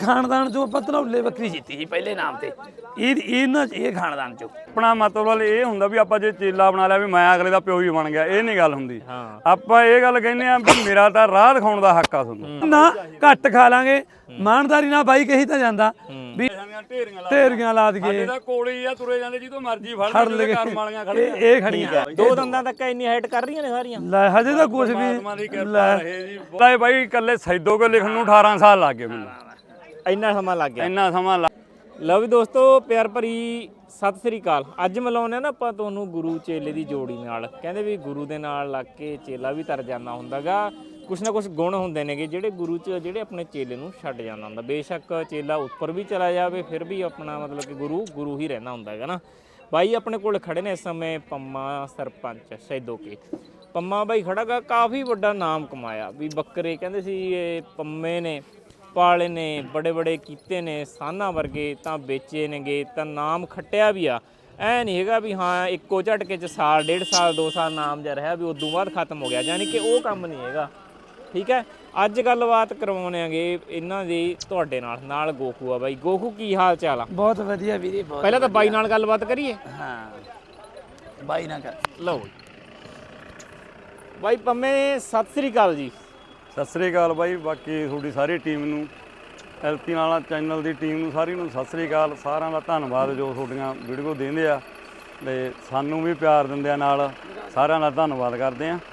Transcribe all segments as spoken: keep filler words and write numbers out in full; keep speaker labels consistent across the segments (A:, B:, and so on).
A: ਖਾਨਦਾਨ ਚੋਂ ਆਪਾਂ ਧਨੌਲੇ ਬੱਕਰੀ ਜਿੱਤੀ ਸੀ ਪਹਿਲੇ ਨਾਮ ਤੇ ਇਹ ਇਹਨਾਂ ਇਹ ਖਾਨਦਾਨ ਚੋਂ।
B: ਆਪਣਾ ਮਤਲਬ ਇਹ ਹੁੰਦਾ ਵੀ ਆਪਾਂ ਜੇ ਚੇਲਾ ਬਣਾ ਲਿਆ ਵੀ ਮੈਂ ਅਗਲੇ ਦਾ ਪਿਓ ਵੀ ਬਣ ਗਿਆ, ਇਹ ਨਹੀਂ ਗੱਲ ਹੁੰਦੀ। ਆਪਾਂ ਇਹ ਗੱਲ ਕਹਿੰਦੇ ਆ ਵੀ ਮੇਰਾ ਤਾਂ ਰਾਹ ਦਿਖਾਉਣ ਦਾ ਹੱਕ ਆ ਤੁਹਾਨੂੰ।
A: ਨਾ ਘੱਟ ਖਾ ਲਾਂਗੇ ਮਾਨਦਾਰੀ ਨਾਲ ਬਾਈ ਕਹੀ ਤਾਂ ਜਾਂਦਾ ਵੀ ਢੇਰੀਆਂ ਲਾ ਦਈਏ।
B: ਇਹਦਾ ਕੋਲੇ ਆ ਤੁਰੇ ਜਾਂਦੇ ਜਿੱਦੋਂ ਮਰਜ਼ੀ ਫੜ ਲੈ ਕਰਮ ਵਾਲੀਆਂ ਖੜੀਆਂ
A: ਇਹ ਖੜੀਆਂ
C: ਦੋ ਦੰਦਾਂ ਤੱਕ ਇੰਨੀ ਹਾਈਟ ਕਰ ਰਹੀਆਂ ਨੇ ਸਾਰੀਆਂ।
A: ਲੈ ਹਜੇ ਤਾਂ ਕੁਝ ਵੀ
B: ਲੈ ਬਾਈ ਇਕੱਲੇ ਸੈਦੋ ਕੋ ਲਿਖਣ ਨੂੰ ਅਠਾਰਾਂ ਸਾਲ ਲੱਗ ਗਏ ਮੈਨੂੰ,
C: ਇੰਨਾ ਸਮਾਂ ਲੱਗ ਗਿਆ।
B: ਇੰਨਾ ਸਮਾਂ ਲੱਗ।
C: ਲਓ ਵੀ ਦੋਸਤੋ, ਪਿਆਰ ਭਰੀ ਸਤਿ ਸ੍ਰੀ ਅਕਾਲ। ਅੱਜ ਮਿਲਾਉਂਦੇ ਆ ਨਾ ਆਪਾਂ ਤੁਹਾਨੂੰ ਗੁਰੂ ਚੇਲੇ ਦੀ ਜੋੜੀ ਨਾਲ। ਕਹਿੰਦੇ ਵੀ ਗੁਰੂ ਦੇ ਨਾਲ ਲੱਗ ਕੇ ਚੇਲਾ ਵੀ ਤਰ ਜਾਂਦਾ ਹੁੰਦਾਗਾ। ਕੁਛ ਨਾ ਕੁਛ ਗੁਣ ਹੁੰਦੇ ਨੇਗੇ ਜਿਹੜੇ ਗੁਰੂ 'ਚ ਜਿਹੜੇ ਆਪਣੇ ਚੇਲੇ ਨੂੰ ਛੱਡ ਜਾਂਦਾ ਹੁੰਦਾ। ਬੇਸ਼ੱਕ ਚੇਲਾ ਉੱਪਰ ਵੀ ਚਲਾ ਜਾਵੇ ਫਿਰ ਵੀ ਆਪਣਾ ਮਤਲਬ ਕਿ ਗੁਰੂ ਗੁਰੂ ਹੀ ਰਹਿੰਦਾ ਹੁੰਦਾ ਹੈਗਾ ਨਾ। ਬਾਈ ਆਪਣੇ ਕੋਲ ਖੜੇ ਨੇ ਇਸ ਸਮੇਂ ਪੰਮਾ ਸਰਪੰਚ ਸੈਦੋਕੇ। ਪੰਮਾ ਬਾਈ ਖੜਾ ਗਾ, ਕਾਫੀ ਵੱਡਾ ਨਾਮ ਕਮਾਇਆ ਵੀ ਬੱਕਰੇ ਕਹਿੰਦੇ ਸੀ ਇਹ ਪੰਮੇ ਨੇ ਪਾਲੇ ਨੇ, ਬੜੇ ਬੜੇ ਕੀਤੇ ਨੇ, ਸਾਨਾ ਵਰਗੇ ਤਾਂ ਵੇਚੇ ਨੇਗੇ, ਤਾਂ ਨਾਮ ਖੱਟਿਆ ਵੀ ਆ। ਐ ਨਹੀਂ ਹੈਗਾ ਵੀ ਹਾਂ ਇੱਕੋ ਝਟਕੇ 'ਚ ਸਾਲ ਡੇਢ ਸਾਲ ਦੋ ਸਾਲ ਨਾਮ ਜਿਹਾ ਰਿਹਾ ਵੀ ਉਦੋਂ ਬਾਅਦ ਖਤਮ ਹੋ ਗਿਆ, ਯਾਨੀ ਕਿ ਉਹ ਕੰਮ ਨਹੀਂ ਹੈਗਾ। ਠੀਕ ਹੈ, ਅੱਜ ਗੱਲਬਾਤ ਕਰਵਾਉਣੇ ਆਂਗੇ ਇਹਨਾਂ ਦੀ ਤੁਹਾਡੇ ਨਾਲ। ਨਾਲ ਗੋਖੂ ਆ ਬਾਈ। ਗੋਖੂ ਕੀ ਹਾਲ ਚਾਲ ਆ?
A: ਬਹੁਤ ਵਧੀਆ ਵੀਰੇ, ਬਹੁਤ।
C: ਪਹਿਲਾਂ ਤਾਂ ਬਾਈ ਨਾਲ ਗੱਲਬਾਤ ਕਰੀਏ।
A: ਹਾਂ ਬਾਈ ਨਾਲ ਕਰ
C: ਲਓ ਬਾਈ। ਪੰਮੇ ਸਤਿ ਸ੍ਰੀ ਅਕਾਲ ਜੀ।
B: ਸਤਿ ਸ੍ਰੀ ਅਕਾਲ ਬਾਈ। ਬਾਕੀ ਤੁਹਾਡੀ ਸਾਰੀ ਟੀਮ ਨੂੰ, ਐਲਪੀ ਨਾਲ ਚੈਨਲ ਦੀ ਟੀਮ ਨੂੰ ਸਾਰੀ ਨੂੰ ਸਤਿ ਸ੍ਰੀ ਅਕਾਲ। ਸਾਰਿਆਂ ਦਾ ਧੰਨਵਾਦ ਜੋ ਤੁਹਾਡੀਆਂ ਵੀਡੀਓ ਦੇਖਦੇ ਆ ਤੇ ਸਾਨੂੰ ਵੀ ਪਿਆਰ ਦਿੰਦੇ ਆ, ਨਾਲ ਸਾਰਿਆਂ ਦਾ ਧੰਨਵਾਦ ਕਰਦੇ ਆ।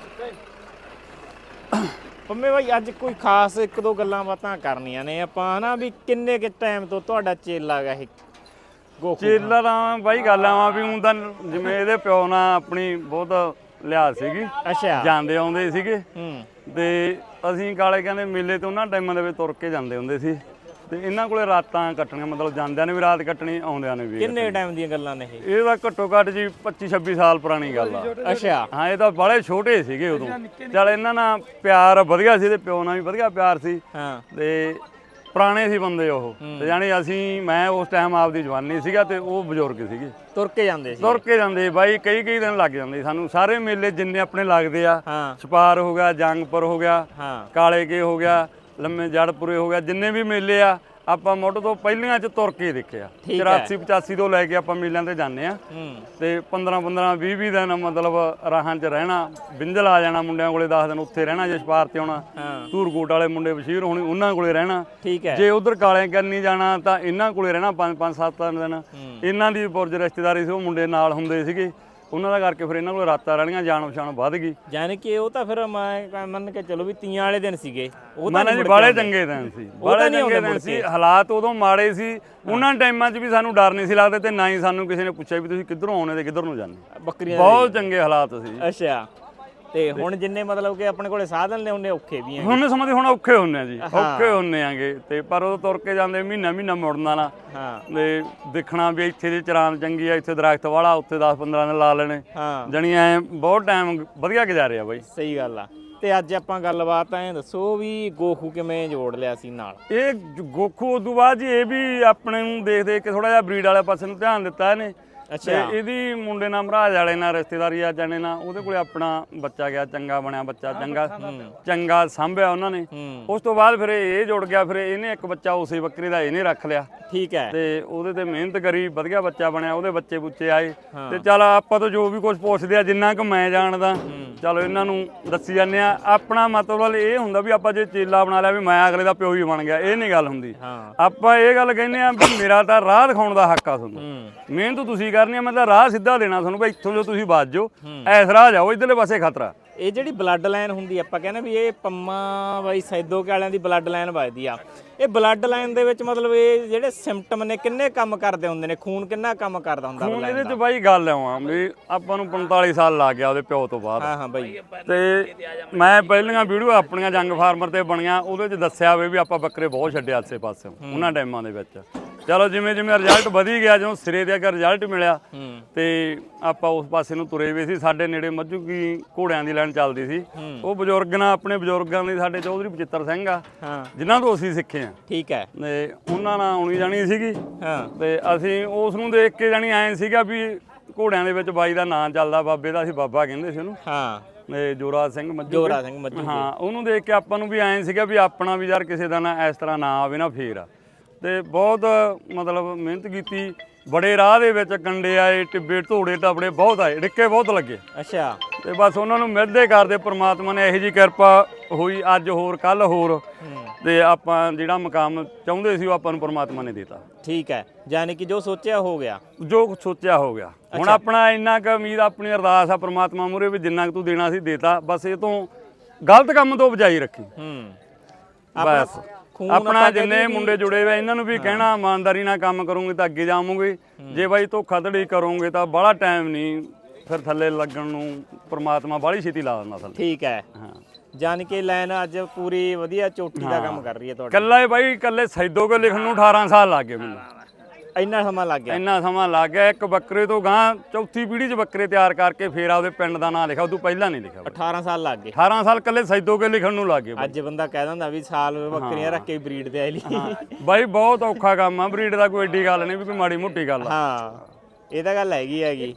C: ਪੰਮੇ ਬਾਈ ਅੱਜ ਕੋਈ ਖਾਸ ਇੱਕ ਦੋ ਗੱਲਾਂ ਬਾਤਾਂ ਕਰਨੀਆਂ ਨੇ ਆਪਾਂ ਹਨਾ ਵੀ ਕਿੰਨੇ ਕਿ ਟਾਈਮ ਤੋਂ ਤੁਹਾਡਾ ਚੇਲਾ ਗਾ ਇਹ ਗੋਖੂ?
B: ਚੇਲਾ ਦਾ ਬਾਈ ਗੱਲ ਆਵਾਂ ਵੀ ਹੁਣ ਤਾਂ ਜਿਵੇਂ ਇਹਦੇ ਪਿਓ ਨਾਲ ਆਪਣੀ ਬਹੁਤ ਲਿਹਾਜ਼ ਸੀਗੀ।
C: ਅੱਛਾ।
B: ਜਾਂਦੇ ਆਉਂਦੇ ਸੀਗੇ
C: ਹੂੰ।
B: ਤੇ ਅਸੀਂ ਕਾਲੇ ਕਹਿੰਦੇ ਮੇਲੇ ਤੇ ਉਹਨਾਂ ਟਾਈਮਾਂ ਦੇ ਵਿੱਚ ਤੁਰ ਕੇ ਜਾਂਦੇ ਹੁੰਦੇ ਸੀ ਤੇ ਇਹਨਾਂ ਕੋਲੇ ਰਾਤਾਂ ਕੱਟਣੀਆਂ, ਮਤਲਬ ਜਾਂਦਿਆਂ ਨੇ ਵੀ ਰਾਤ ਕੱਟਣੀ, ਆਉਂਦਿਆਂ ਨੇ ਵੀ।
C: ਕਿੰਨੇ ਟਾਈਮ ਦੀਆਂ ਗੱਲਾਂ ਨੇ ਇਹ?
B: ਇਹ ਤਾਂ ਘੱਟੋ ਘੱਟ ਜੀ ਪੱਚੀ ਛੱਬੀ ਸਾਲ ਪੁਰਾਣੀ ਗੱਲ ਆ।
C: ਅੱਛਾ।
B: ਹਾਂ ਇਹ ਤਾਂ ਬੜੇ ਛੋਟੇ ਸੀਗੇ ਉਦੋਂ। ਚੱਲ ਇਹਨਾਂ ਨਾਲ ਪਿਆਰ ਵਧੀਆ ਸੀ ਤੇ ਪਿਓ ਨਾਲ ਵੀ ਵਧੀਆ ਪਿਆਰ ਸੀ।
C: ਹਾਂ।
B: ਤੇ ਪੁਰਾਣੇ ਸੀ ਬੰਦੇ ਉਹ, ਤੇ ਜਾਣੀ ਅਸੀਂ ਮੈਂ ਉਸ ਟਾਈਮ ਆਪਦੀ ਜਵਾਨੀ ਸੀਗਾ ਤੇ ਉਹ ਬਜ਼ੁਰਗ ਸੀਗੇ।
C: ਤੁਰ ਕੇ ਜਾਂਦੇ ਸੀ?
B: ਤੁਰ ਕੇ ਜਾਂਦੇ ਬਾਈ, ਕਈ ਕਈ ਦਿਨ ਲੱਗ ਜਾਂਦੇ ਸਾਨੂੰ। ਸਾਰੇ ਮੇਲੇ ਜਿੰਨੇ ਆਪਣੇ ਲੱਗਦੇ ਆ,
C: ਹਾਂ।
B: ਛਪਾਰ ਹੋ ਗਿਆ, ਜੰਗਪੁਰ ਹੋ ਗਿਆ,
C: ਹਾਂ,
B: ਕਾਲੇ ਕੇ ਹੋ ਗਿਆ, ਲੰਮੇ ਜੜਪੁਰੇ ਹੋ ਗਿਆ, ਜਿੰਨੇ ਵੀ ਮੇਲੇ ਆ ਆਪਾਂ ਮੁੱਢ ਤੋਂ ਪਹਿਲੀਆਂ ਚ ਤੁਰ ਕੇ ਦੇਖਿਆ। ਚੁਰਾਸੀ ਪਚਾਸੀ ਤੋਂ ਲੈ ਕੇ ਆਪਾਂ ਮੇਲਿਆਂ ਤੇ ਜਾਂਦੇ ਆ ਤੇ ਪੰਦਰਾਂ ਪੰਦਰਾਂ ਵੀਹ ਵੀਹ ਦਿਨ ਮਤਲਬ ਰਾਹਾਂ 'ਚ ਰਹਿਣਾ। ਬਿੰਜਲ ਆ ਜਾਣਾ ਮੁੰਡਿਆਂ ਕੋਲੇ, ਦਸ ਦਿਨ ਉੱਥੇ ਰਹਿਣਾ। ਜੇ ਛਪਾਰ ਤੇ ਆਉਣਾ ਧੂਰਕੋਟ ਵਾਲੇ ਮੁੰਡੇ ਬਸ਼ੀਰ ਹੋਣੀ, ਉਹਨਾਂ ਕੋਲੇ ਰਹਿਣਾ।
C: ਠੀਕ ਹੈ।
B: ਜੇ ਉਧਰ ਕਾਲੇ ਕਰਨੀ ਜਾਣਾ ਤਾਂ ਇਹਨਾਂ ਕੋਲੇ ਰਹਿਣਾ ਪੰਜ ਪੰਜ ਸੱਤ ਦਿਨ। ਇਹਨਾਂ ਦੀ ਪੁਰਜ ਰਿਸ਼ਤੇਦਾਰੀ ਸੀ, ਉਹ ਮੁੰਡੇ ਨਾਲ ਹੁੰਦੇ ਸੀਗੇ, ਉਹਨਾਂ ਦਾ ਕਰਕੇ ਫਿਰ ਇਹਨਾਂ ਕੋਲ ਰਾਤਾਂ ਰਹਿਣੀਆਂ, ਜਾਣ ਪਛਾਣ ਵੱਧ ਗਈ।
C: ਯਾਨੀ ਕਿ ਉਹ ਤਾਂ ਫਿਰ ਮੈਂ ਮੰਨ ਕੇ ਚਲੋ ਵੀ ਤੀਆਂ ਵਾਲੇ ਦਿਨ ਸੀਗੇ। ਉਹ
B: ਤਾਂ ਜੀ ਬਾਲੇ ਚੰਗੇ ਦਿਨ ਸੀ, ਬਾਲੇ ਚੰਗੇ ਦਿਨ ਸੀ। ਹਾਲਾਤ ਉਦੋਂ ਮਾੜੇ ਸੀ, ਉਹਨਾਂ ਟਾਈਮਾਂ 'ਚ ਵੀ ਸਾਨੂੰ ਡਰ ਨਹੀਂ ਸੀ ਲੱਗਦਾ ਤੇ ਨਾ ਹੀ ਸਾਨੂੰ ਕਿਸੇ ਨੇ ਪੁੱਛਿਆ ਵੀ ਤੁਸੀਂ ਕਿੱਧਰੋਂ ਆਉਣੇ ਤੇ ਕਿੱਧਰ ਨੂੰ ਜਾਂਦੇ।
C: ਬੱਕਰੀਆਂ
B: ਬਹੁਤ ਚੰਗੇ ਹਾਲਾਤ ਸੀ।
C: ਅੱਛਾ। ਤੇ ਹੁਣ ਜਿੰਨੇ ਮਤਲਬ ਕਿ ਆਪਣੇ ਕੋਲੇ ਸਾਧਨ ਨੇ ਉਹਨੇ ਔਖੇ ਵੀ ਆ।
B: ਹੁਣ ਸਮਾਂ ਹੁਣ ਔਖੇ ਹੁੰਨੇ ਆ ਜੀ, ਔਖੇ ਹੁੰਨੇ ਆਂਗੇ ਤੇ ਪਰ ਉਹ ਤੁਰ ਕੇ ਜਾਂਦੇ ਮਹੀਨਾ ਮਹੀਨਾ ਮੁੜਨਾ ਨਾ।
C: ਹਾਂ।
B: ਤੇ ਦੇਖਣਾ ਵੀ ਇੱਥੇ ਦੀ ਚਰਾਨ ਚੰਗੀ ਆ, ਇੱਥੇ ਦਰਖਤ ਵਾਲਾ, ਉੱਥੇ ਦਸ ਪੰਦਰਾਂ ਦਿਨ ਲਾ ਲੈਣੇ।
C: ਹਾਂ।
B: ਜਣੀ ਐ ਬਹੁਤ ਟਾਈਮ ਵਧੀਆ ਗੁਜ਼ਾਰਿਆ ਬਾਈ।
C: ਸਹੀ ਗੱਲ ਆ। ਤੇ ਅੱਜ ਆਪਾਂ ਗੱਲਬਾਤ ਐ ਦੱਸੋ ਵੀ ਗੋਖੂ ਕਿਵੇਂ ਜੋੜ ਲਿਆ ਸੀ ਨਾਲ?
B: ਇਹ ਗੋਖੂ ਉਦੋਂ ਬਾਅਦ ਜੀ ਇਹ ਵੀ ਆਪਣੇ ਨੂੰ ਦੇਖ ਦੇਖ ਕੇ ਥੋੜਾ ਜਿਹਾ ਬਰੀਡ ਵਾਲੇ ਪਾਸੇ ਨੂੰ ਧਿਆਨ ਦਿੱਤਾ ਇਹਨੇ।
C: ਅੱਛਾ।
B: ਇਹਦੀ ਮੁੰਡੇ ਨਾਲ ਮਹਾਰਾਜ ਵਾਲੇ ਨਾਲ ਰਿਸ਼ਤੇਦਾਰੀ ਆ ਜਾਣੇ ਨਾਲ, ਉਹਦੇ ਕੋਲੇ ਆਪਣਾ ਬੱਚਾ ਗਿਆ, ਚੰਗਾ ਬਣਿਆ ਬੱਚਾ, ਚੰਗਾ ਚੰਗਾ ਸਾਂਭਿਆ ਉਹਨਾਂ ਨੇ। ਉਸ ਤੋਂ ਬਾਅਦ ਫਿਰ ਇਹ ਜੁੜ ਗਿਆ, ਫਿਰ ਇਹਨੇ ਇੱਕ ਬੱਚਾ ਉਸੇ ਬੱਕਰੀ ਦਾ ਇਹਨੇ ਰੱਖ ਲਿਆ।
C: ਠੀਕ ਹੈ।
B: ਤੇ ਉਹਦੇ ਤੇ ਮਿਹਨਤ ਕਰੀ, ਵਧੀਆ ਬੱਚਾ ਬਣਿਆ, ਉਹਦੇ ਬੱਚੇ ਬੁੱਚੇ ਆਏ। ਤੇ ਚੱਲ ਆਪਾਂ ਤੋਂ ਜੋ ਵੀ ਕੁਝ ਪੁੱਛਦੇ ਆ, ਜਿੰਨਾ ਕੁ ਮੈਂ ਜਾਣਦਾ ਚਲੋ ਇਹਨਾਂ ਨੂੰ ਦੱਸੀ ਜਾਂਦੇ ਆ। ਆਪਣਾ ਮਤਲਬ ਇਹ ਹੁੰਦਾ ਵੀ ਆਪਾਂ ਜੇ ਚੇਲਾ ਬਣਾ ਲਿਆ ਵੀ ਮੈਂ ਅਗਲੇ ਦਾ ਪਿਓ ਵੀ ਬਣ ਗਿਆ, ਇਹ ਨਹੀਂ ਗੱਲ ਹੁੰਦੀ। ਆਪਾਂ ਇਹ ਗੱਲ ਕਹਿੰਦੇ ਆ ਵੀ ਮੇਰਾ ਤਾਂ ਰਾਹ ਦਿਖਾਉਣ ਦਾ ਹੱਕ ਆ ਤੁਹਾਨੂੰ। ਮਿਹਨਤ ਤੁਸੀਂ ਕਰਨੀ ਆ, ਮੈਂ ਤਾਂ ਰਾਹ ਸਿੱਧਾ ਦੇਣਾ ਤੁਹਾਨੂੰ ਵੀ ਇੱਥੋਂ ਜੋ ਤੁਸੀਂ ਵੱਜ ਜਾਓ, ਐਸ ਰਾਹ ਜਾਓ, ਇਧਰਲੇ ਪਾਸੇ ਖਤਰਾ।
C: ਇਹ ਜਿਹੜੀ ਬਲੱਡ ਲਾਈਨ ਹੁੰਦੀ ਆਪਾਂ ਕਹਿੰਦੇ ਵੀ ਇਹ ਪੰਮਾ ਬਾਈ ਸੈਦੋਕੇ ਵਾਲਿਆਂ ਦੀ ਬਲੱਡ ਲਾਈਨ ਵੱਜਦੀ ਆ। ਇਹ ਬਲੱਡ ਲਾਈਨ ਦੇ ਵਿੱਚ ਮਤਲਬ ਇਹ ਜਿਹੜੇ ਸਿੰਪਟਮ ਨੇ ਕਿੰਨੇ ਕੰਮ ਕਰਦੇ ਹੁੰਦੇ ਨੇ? ਖੂਨ ਕਿੰਨਾ ਕੰਮ ਕਰਦਾ ਹੁੰਦਾ
B: ਹੁਣ ਇਹਦੇ 'ਚ ਬਾਈ ਗੱਲ ਆਵਾਂ ਵੀ ਆਪਾਂ ਨੂੰ ਪੰਤਾਲੀ ਸਾਲ ਲੱਗ ਗਿਆ ਉਹਦੇ ਪਿਓ ਤੋਂ ਬਾਅਦ।
C: ਹਾਂ ਹਾਂ ਬਾਈ।
B: ਤੇ ਮੈਂ ਪਹਿਲੀਆਂ ਵੀਡੀਓ ਆਪਣੀਆਂ ਜੰਗ ਫਾਰਮਰ ਤੇ ਬਣੀਆਂ, ਉਹਦੇ 'ਚ ਦੱਸਿਆ ਹੋਵੇ ਵੀ ਆਪਾਂ ਬੱਕਰੇ ਬਹੁਤ ਛੱਡੇ ਆਸੇ ਪਾਸੇ ਉਹਨਾਂ ਟਾਈਮਾਂ ਦੇ ਵਿੱਚ। ਚਲੋ ਜਿਵੇਂ ਜਿਵੇਂ ਰਿਜ਼ਲਟ ਵਧੀ ਗਿਆ, ਜਦੋਂ ਸਿਰੇ ਦੇ ਅਗਰ ਰਿਜ਼ਲਟ ਮਿਲਿਆ ਤੇ ਆਪਾਂ ਉਸ ਪਾਸੇ ਨੂੰ ਤੁਰੇ ਵੀ ਸੀ। ਸਾਡੇ ਨੇੜੇ ਮੱਝੂ ਕੀ ਘੋੜਿਆਂ ਦੀ ਲਾਈਨ ਚੱਲਦੀ ਸੀ, ਉਹ ਬਜ਼ੁਰਗ ਨਾਲ ਆਪਣੇ ਬਜ਼ੁਰਗਾਂ ਦੀ ਸਾਡੇ ਚੌਧਰੀ ਬਚਿੱਤਰ ਸਿੰਘ ਆ ਜਿਨ੍ਹਾਂ ਤੋਂ ਅਸੀਂ ਸਿੱਖੇ ਆ।
C: ਠੀਕ ਹੈ।
B: ਤੇ ਉਹਨਾਂ ਨਾਲ ਆਉਣੀ ਜਾਣੀ ਸੀਗੀ।
C: ਹਾਂ।
B: ਤੇ ਅਸੀਂ ਉਸ ਨੂੰ ਦੇਖ ਕੇ ਜਾਣੀ ਐਂ ਸੀਗਾ ਵੀ ਘੋੜਿਆਂ ਦੇ ਵਿੱਚ ਬਾਈ ਦਾ ਨਾਂ ਚੱਲਦਾ, ਬਾਬੇ ਦਾ, ਅਸੀਂ ਬਾਬਾ ਕਹਿੰਦੇ ਸੀ ਉਹਨੂੰ।
C: ਹਾਂ।
B: ਇਹ ਜੋਰਾ ਸਿੰਘ ਮੱਜੂ
C: ਜੋਰਾ ਸਿੰਘ ਮੱਜੂ
B: ਹਾਂ ਉਹਨੂੰ ਦੇਖ ਕੇ ਆਪਾਂ ਨੂੰ ਵੀ ਐਂ ਸੀਗਾ ਵੀ ਆਪਣਾ ਵੀ ਯਾਰ ਕਿਸੇ ਦਾ ਨਾ ਇਸ ਤਰ੍ਹਾਂ ਨਾ ਆਵੇ ਨਾ ਫੇਰ ਆ ਤੇ ਬਹੁਤ ਮਤਲਬ ਮਿਹਨਤ ਕੀਤੀ ਬੜੇ ਰਾਹ ਦੇ ਵਿੱਚ ਕੰਡੇ ਆਏ ਟਿੱਬੇ ਢੋੜੇ ਟਾਪੜੇ ਬਹੁਤ ਆਏ ਡਿੱਕੇ ਬਹੁਤ ਲੱਗੇ
C: ਅੱਛਾ
B: ਤੇ ਬਸ ਉਹਨਾਂ ਨੂੰ ਮਿਹਦੇ ਕਰਦੇ ਪ੍ਰਮਾਤਮਾ ਨੇ ਇਹੋ ਜਿਹੀ ਕਿਰਪਾ ਹੋਈ ਅੱਜ ਹੋਰ ਕੱਲ ਹੋਰ ਤੇ ਆਪਾਂ ਜਿਹੜਾ ਮੁਕਾਮ ਚਾਹੁੰਦੇ ਸੀ ਉਹ ਆਪਾਂ ਨੂੰ ਪ੍ਰਮਾਤਮਾ ਨੇ ਦਿੱਤਾ
C: ਠੀਕ ਹੈ ਯਾਨੀ ਕਿ ਜੋ ਸੋਚਿਆ ਹੋ ਗਿਆ
B: ਜੋ ਸੋਚਿਆ ਹੋ ਗਿਆ ਹੁਣ ਆਪਣਾ ਇੰਨਾ ਕੁ ਉਮੀਦ ਆਪਣੀ ਅਰਦਾਸ ਆ ਪ੍ਰਮਾਤਮਾ ਮੂਹਰੇ ਵੀ ਜਿੰਨਾ ਕੁ ਤੂੰ ਦੇਣਾ ਸੀ ਦੇਤਾ ਬਸ ਇਹ ਤੋਂ ਗਲਤ ਕੰਮ ਤੋਂ ਬਚਾਈ ਰੱਖੀ
C: ਹੂੰ
B: ਬਸ ਆਪਣਾ ਜਿੰਨੇ ਮੁੰਡੇ ਜੁੜੇ ਹੋਏ ਇਹਨਾਂ ਨੂੰ ਵੀ ਕਹਿਣਾ ਇਮਾਨਦਾਰੀ ਨਾਲ ਕੰਮ ਕਰੋਗੇ ਤਾਂ ਅੱਗੇ ਜਾਵੋਗੇ ਜੇ ਬਾਈ ਧੋਖਾਧੜੀ ਕਰੋਗੇ ਤਾਂ ਬਾਹਲਾ ਟਾਈਮ ਨਹੀਂ ਫਿਰ ਥੱਲੇ ਲੱਗਣ ਨੂੰ ਪ੍ਰਮਾਤਮਾ ਬਾਹਲੀ ਛੇਤੀ ਲਾ ਦਿੰਦਾ ਥੱਲੇ
C: ਠੀਕ ਹੈ
B: ਹਾਂ
C: ਜਾਨੀ ਕਿ ਲਾਈਨ ਅੱਜ ਪੂਰੀ ਵਧੀਆ ਚੋਟੀ ਦਾ ਕੰਮ ਕਰ ਰਹੀ ਹੈ ਤੁਹਾਡੀ
B: ਕੱਲਾ ਹੀ ਬਾਈ ਕੱਲੇ ਸੈਦੋ ਕੇ ਲਿਖਣ ਨੂੰ ਅਠਾਰਾਂ ਸਾਲ ਲੱਗ ਗਏ ਮੈਨੂੰ
C: ਇੰਨਾ ਸਮਾਂ ਲੱਗ ਗਿਆ
B: ਇੰਨਾ ਸਮਾਂ ਲੱਗ ਗਿਆ ਇੱਕ ਬੱਕਰੇ ਤੋਂ ਗਾਂ ਚੌਥੀ ਪੀੜ੍ਹੀ 'ਚ ਬੱਕਰੇ ਤਿਆਰ ਕਰਕੇ ਫੇਰ ਆਪਦੇ ਪਿੰਡ ਦਾ ਨਾਂ ਲਿਖਿਆ ਉਦੋਂ ਪਹਿਲਾਂ ਨਹੀਂ ਲਿਖਿਆ
C: ਅਠਾਰਾਂ ਸਾਲ ਲੱਗ ਗਏ
B: ਅਠਾਰਾਂ ਸਾਲ ਕੱਲੇ ਸੈਦੋ ਕੇ ਲਿਖਣ ਨੂੰ ਲੱਗ ਗਏ
C: ਅੱਜ ਬੰਦਾ ਕਹਿ ਦਿੰਦਾ ਵੀ ਸਾਲ ਬੱਕਰੀਆਂ ਰੱਖ ਕੇ ਬਰੀਡ ਤੇ ਆਈ ਲਈ
B: ਬਾਈ ਬਹੁਤ ਔਖਾ ਕੰਮ ਆ ਬਰੀਡ ਦਾ ਕੋਈ ਏਡੀ ਗੱਲ ਨਹੀਂ ਵੀ ਕੋਈ ਮਾੜੀ ਮੋਟੀ ਗੱਲ ਆ
C: ਹਾਂ ਇਹ ਤਾਂ ਗੱਲ ਹੈਗੀ ਹੈਗੀ